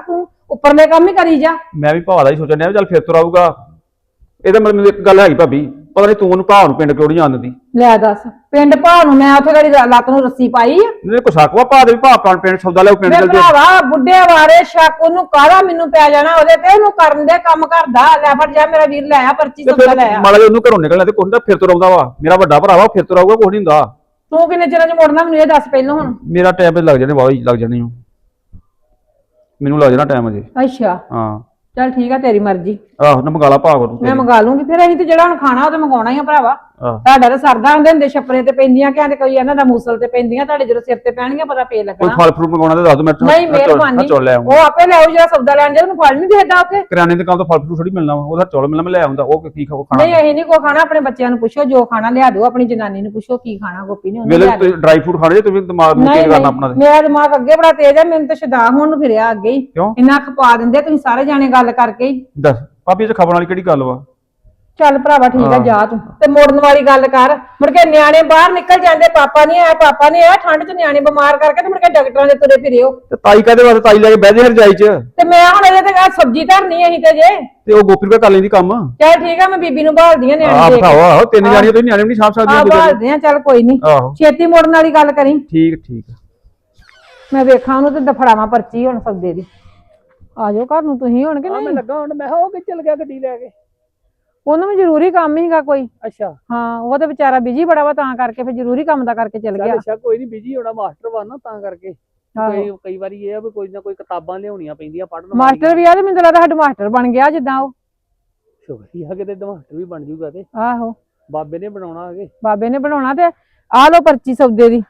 [SPEAKER 4] ਉੱਪਰਲੇ ਕੰਮ ਹੀ ਕਰੀ ਜਾ।
[SPEAKER 1] ਮੈਂ ਵੀ ਭਾਅ ਦਾ ਹੀ ਸੋਚਣ ਡਿਆ ਵੀ ਚੱਲ ਫਿਰ ਤੁਰ ਆਊਗਾ। ਇਹਦਾ ਮਤਲਬ ਮੈਨੂੰ ਇੱਕ ਗੱਲ ਹੈਗੀ ਭਾਬੀ, ਪਤਾ ਨਹੀਂ ਤੂੰ ਉਹਨੂੰ ਭਾਅ ਨੂੰ ਪਿੰਡ ਕਿਉਂ ਨਹੀਂ ਆਉਂਦੀ।
[SPEAKER 4] ਲੈ ਦੱਸ, ਪਿੰਡ ਭਾ ਨੂੰ ਮੈਂ ਉੱਥੇ ਗੜੀ ਲੱਤ ਨੂੰ ਰੱਸੀ ਪਾਈ ਆ।
[SPEAKER 1] ਇਹਨੇ ਕੋਈ ਸ਼ੱਕ ਵਾ ਭਾਅ ਦੇ ਵੀ ਭਾਅ ਆਪਣਾ ਪਿੰਡ ਸੌਦਾ ਲੈ ਪਿੰਡ
[SPEAKER 4] ਮੈਂ
[SPEAKER 1] ਚੱਲ ਜੇ।
[SPEAKER 4] ਭਰਾਵਾ ਬੁੱਢੇ ਵਾਰੇ ਸ਼ੱਕ ਉਹਨੂੰ ਕਾਹਦਾ ਮੈਨੂੰ ਪੈ ਜਾਣਾ ਉਹਦੇ ਤੇ, ਉਹਨੂੰ ਕਰਨ ਦੇ ਕੰਮ ਕਰਦਾ। ਲੈ ਫੜ ਜਾ ਮੇਰਾ ਵੀਰ, ਲੈ ਆ ਪਰਚੀ
[SPEAKER 1] ਤੇ
[SPEAKER 4] ਸੌਦਾ ਲੈ
[SPEAKER 1] ਫਿਰ
[SPEAKER 4] ਆ।
[SPEAKER 1] ਮਾੜਾ ਜਿਹਾ ਉਹਨੂੰ ਘਰੋਂ ਨਿਕਲਣਾ ਤੇ ਕੁਛ ਹੁੰਦਾ ਫਿਰ ਤੁਰ ਆਉਂਦਾ ਵਾ। ਮੇਰਾ ਵੱਡਾ ਭਰਾ ਵਾ, ਫਿਰ ਤੁਰ ਆਊਗਾ, ਕੁਛ ਨਹੀਂ ਹੁੰਦਾ।
[SPEAKER 4] ਤੂੰ ਕਿੰਨੇ ਚਿਰਾਂ ਚ ਮੁੜਨਾ ਮੈਨੂੰ ਇਹ ਦੱਸ ਪਹਿਲਾਂ ਹੁਣ।
[SPEAKER 1] ਮੇਰਾ ਟਾਈਮ ਲੱਗ ਜਾਣੇ ਵਾਹ ਲੱਗ ਜਾਣੇ ਹੋ, ਮੈਨੂੰ ਲੱਗ ਜਾਣਾ ਟਾਈਮ ਅਜੇ।
[SPEAKER 4] ਅੱਛਾ
[SPEAKER 1] ਹਾਂ
[SPEAKER 4] ਚੱਲ ਠੀਕ ਆ, ਤੇਰੀ ਮਰਜ਼ੀ।
[SPEAKER 1] ਆਹੋ ਨਾ ਮੰਗਾ ਲਾ ਭਾਅ ਕੋਲ
[SPEAKER 4] ਮੈਂ ਮੰਗਾ ਲੂੰਗੀ ਫਿਰ। ਅਸੀਂ ਤੇ ਜਿਹੜਾ ਹੁਣ ਖਾਣਾ ਉਹ ਤੇ ਮੰਗਾਉਣਾ ਹੀ ਆ ਭਰਾਵਾ।
[SPEAKER 1] ਆਹ
[SPEAKER 4] ਤੁਹਾਡਾ ਤਾਂ ਸਰਦਾ ਹੁੰਦੇ ਹੁੰਦੇ ਛੱਪਰੇ ਤੇ ਪੈਂਦੀਆਂ, ਕਹਿੰਦੇ ਕੋਈ ਇਹਨਾਂ ਦਾ ਮੂਸਲ ਤੇ ਪੈਂਦੀਆਂ, ਤੁਹਾਡੇ ਜਦੋਂ ਸਿਰ ਤੇ ਪੈਣਗੀਆਂ ਪਤਾ ਫੇਰ
[SPEAKER 1] ਕੋਈ
[SPEAKER 4] ਲੱਗਣਾ।
[SPEAKER 1] ਫਲ ਫਰੂਟ ਮੰਗਾਉਣਾ ਤੇ ਦੱਸ ਦੋ। ਮੈਂ
[SPEAKER 4] ਨਹੀਂ ਮਿਹਰਬਾਨੀ,
[SPEAKER 1] ਚੌਲ ਲੈ ਆਉਂਗਾ।
[SPEAKER 4] ਉਹ ਆਪੇ ਲੈ ਆਉ ਜਿਹੜਾ ਸੌਦਾ ਲੈਣ ਜਾ, ਉਹਨੂੰ ਫਲ ਨਹੀਂ ਦੇਦਾ ਉੱਥੇ।
[SPEAKER 1] ਕਰਿਆਨੇ ਦੇ ਕੰਮ ਤੋਂ ਫਲ ਫਰੂਟ ਥੋੜੀ ਮਿਲਣਾ ਵਾ, ਉਹਦਾ ਚੌਲ ਮਿਲਣਾ, ਮੈਂ ਲੈ ਆਉਂਦਾ। ਉਹ ਕੀ ਖਾਓ ਖਾਣਾ।
[SPEAKER 4] ਨਹੀਂ ਅਸੀਂ ਨਹੀਂ ਕੋ ਖਾਣਾ, ਆਪਣੇ ਬੱਚਿਆਂ ਨੂੰ ਪੁੱਛੋ ਜੋ ਖਾਣਾ ਲਿਆ ਦਿਓ, ਆਪਣੀ ਜਨਾਨੀ ਨੂੰ ਪੁੱਛੋ ਕੀ ਖਾਣਾ, ਗੋਪੀ ਨੇ ਉਹਨੂੰ
[SPEAKER 1] ਮੇਰੇ
[SPEAKER 4] ਲਿਆ ਦਿਓ।
[SPEAKER 1] ਤੁਸੀਂ ਡਰਾਈ ਫਰੂਟ ਖਾਣੇ ਜੇ, ਤੁਸੀਂ ਦਿਮਾਗ ਨੂੰ
[SPEAKER 4] ਨਹੀਂ
[SPEAKER 1] ਕੀ ਕਰਨਾ ਆਪਣਾ
[SPEAKER 4] ਨਹੀਂ,
[SPEAKER 1] ਤੇ।
[SPEAKER 4] ਮੇਰਾ ਦਿਮਾਗ ਅੱਗੇ ਬੜਾ ਤੇਜ਼ ਹੈ, ਮੈਨੂੰ ਤਾਂ ਸ਼ਦਾ ਹੋਣ ਨੂੰ ਫਿਰਿਆ ਅੱਗੇ ਹੀ।
[SPEAKER 1] ਕਿਉਂ?
[SPEAKER 4] ਇੰਨਾ ਖਪਾ ਦਿੰਦੇ ਤੁਸੀਂ ਸਾਰੇ ਜਾਣੇ ਗੱਲ ਕਰਕੇ ਹੀ।
[SPEAKER 1] ਦੱਸ ਭਾਬੀ ਇਹ ਚ ਖਬਰ ਵਾਲੀ ਕਿਹੜੀ ਗੱਲ ਵਾ।
[SPEAKER 4] ਚੱਲ ਭਰਾਵਾ ਠੀਕ ਆ,
[SPEAKER 1] ਹਾਂ।
[SPEAKER 4] ਜਾ ਤੂੰ ਤੇ ਮੋੜਨ ਵਾਲੀ ਗੱਲ ਕਰ। ਮੁੜ ਕੇ ਨਿਆਣੇ ਬਾਹਰ ਨਿਕਲ ਜਾਂਦੇ, ਪਾਪਾ ਨਹੀਂ ਆਇਆ ਪਾਪਾ ਨਹੀਂ ਆਇਆ, ਠੰਡ ਚ ਨਿਆਣੇ ਬਿਮਾਰ ਕਰਕੇ ਤੇ ਮੁੜ ਕੇ ਡਾਕਟਰਾਂ ਦੇ ਤੁਰੇ ਫਿਰਿਓ।
[SPEAKER 1] ਤੇ ਤਾਈ ਕਾਦੇ ਵਾਸਤੇ, ਤਾਈ ਲੈ ਕੇ ਬਹਿ ਜੇ ਰਜਾਈ ਚ।
[SPEAKER 4] ਤੇ ਮੈਂ ਹੁਣ ਇਹਦੇ ਤੇ ਆਹ ਸਬਜ਼ੀ ਧਰਨੀ ਅਸੀਂ ਤੇ ਜੇ।
[SPEAKER 1] ਤੇ ਉਹ ਗੋਪੀ ਕੋਲ ਕਰ ਲੈਂਦੀ ਕੰਮ।
[SPEAKER 4] ਚੱਲ ਠੀਕ ਆ, ਮੈਂ ਬੀਬੀ ਨੂੰ ਭਾਲਦੀ ਆ
[SPEAKER 1] ਆਹ
[SPEAKER 4] ਨਿਆਣੇ ਦੇ
[SPEAKER 1] ਬਿਠਾਓ। ਆਹੋ ਤਿੰਨ
[SPEAKER 4] ਹਾਂ।
[SPEAKER 1] ਜਾਣੀਆਂ ਤੁਸੀਂ ਨਿਆਣੇ ਵੀ ਨਹੀਂ ਸਾਂਭ
[SPEAKER 4] ਆ
[SPEAKER 1] ਸਕਦੀਆਂ।
[SPEAKER 4] ਭਾਲਦੇ ਆ, ਚੱਲ ਕੋਈ ਨਹੀਂ,
[SPEAKER 1] ਆਹੋ
[SPEAKER 4] ਛੇਤੀ ਮੋੜਨ ਵਾਲੀ ਗੱਲ ਕਰੀ।
[SPEAKER 1] ਠੀਕ ਠੀਕ।
[SPEAKER 4] ਮੈਂ ਵੇਖਾਂ ਉਹਨੂੰ ਤੇ ਦਫੜਾਵਾਂ ਪਰਚੀ ਹੁਣ ਸੌਦੇ ਦੀ। ਆ ਜਾਓ ਘਰ ਨੂੰ ਤੁਸੀਂ ਹੁਣ ਕਿ
[SPEAKER 5] ਮੈਂ
[SPEAKER 4] ਨਹੀਂ?
[SPEAKER 5] ਲੱਗਾ ਹੁਣ, ਮੈਂ ਕਿਹਾ ਉਹ ਕਿ ਚਲ ਗਿਆ ਗੱਡੀ ਲੈ ਕੇ।
[SPEAKER 4] ਉਹਨੂੰ ਵੀ ਜ਼ਰੂਰੀ ਕੰਮ ਹੀਗਾ ਕੋਈ।
[SPEAKER 5] ਅੱਛਾ
[SPEAKER 4] ਹਾਂ ਉਹ ਤੇ ਵਿਚਾਰਾ ਬਿਜੀ ਬੜਾ ਵਾ, ਤਾਂ ਕਰਕੇ ਫਿਰ ਜ਼ਰੂਰੀ ਕੰਮ ਦਾ ਕਰਕੇ ਚਲ
[SPEAKER 5] ਚੱਲ
[SPEAKER 4] ਗਿਆ।
[SPEAKER 5] ਅੱਛਾ ਕੋਈ ਨਹੀਂ, ਬਿਜੀ ਹੋਣਾ ਮਾਸਟਰ ਵਾ ਨਾ, ਤਾਂ ਕਰਕੇ ਕਈ ਕਈ ਵਾਰੀ ਇਹ ਆ ਵੀ ਕੋਈ ਨਾ ਕੋਈ ਕਿਤਾਬਾਂ ਲਿਆਉਣੀਆਂ ਪੈਂਦੀਆਂ ਪੜ੍ਹਨ
[SPEAKER 4] ਮਾਸਟਰ ਵੀ ਆ ਤੇ ਮੈਨੂੰ ਤਾਂ ਲੱਗਦਾ ਹੈਡ ਮਾਸਟਰ ਬਣ ਗਿਆ ਜਿੱਦਾਂ ਉਹ।
[SPEAKER 5] ਸ਼ੁਕਰੀ ਆ ਕਿਤੇ ਮਾਸਟਰ ਵੀ ਬਣ ਜੂਗਾ ਤੇ
[SPEAKER 4] ਆਹੋ
[SPEAKER 5] ਬਾਬੇ ਨੇ ਬਣਾਉਣਾ ਅਗੇ।
[SPEAKER 4] ਬਾਬੇ ਨੇ ਬਣਾਉਣਾ। ਤੇ ਆ ਲੋ ਪਰਚੀ ਸੌਦੇ ਦੀ,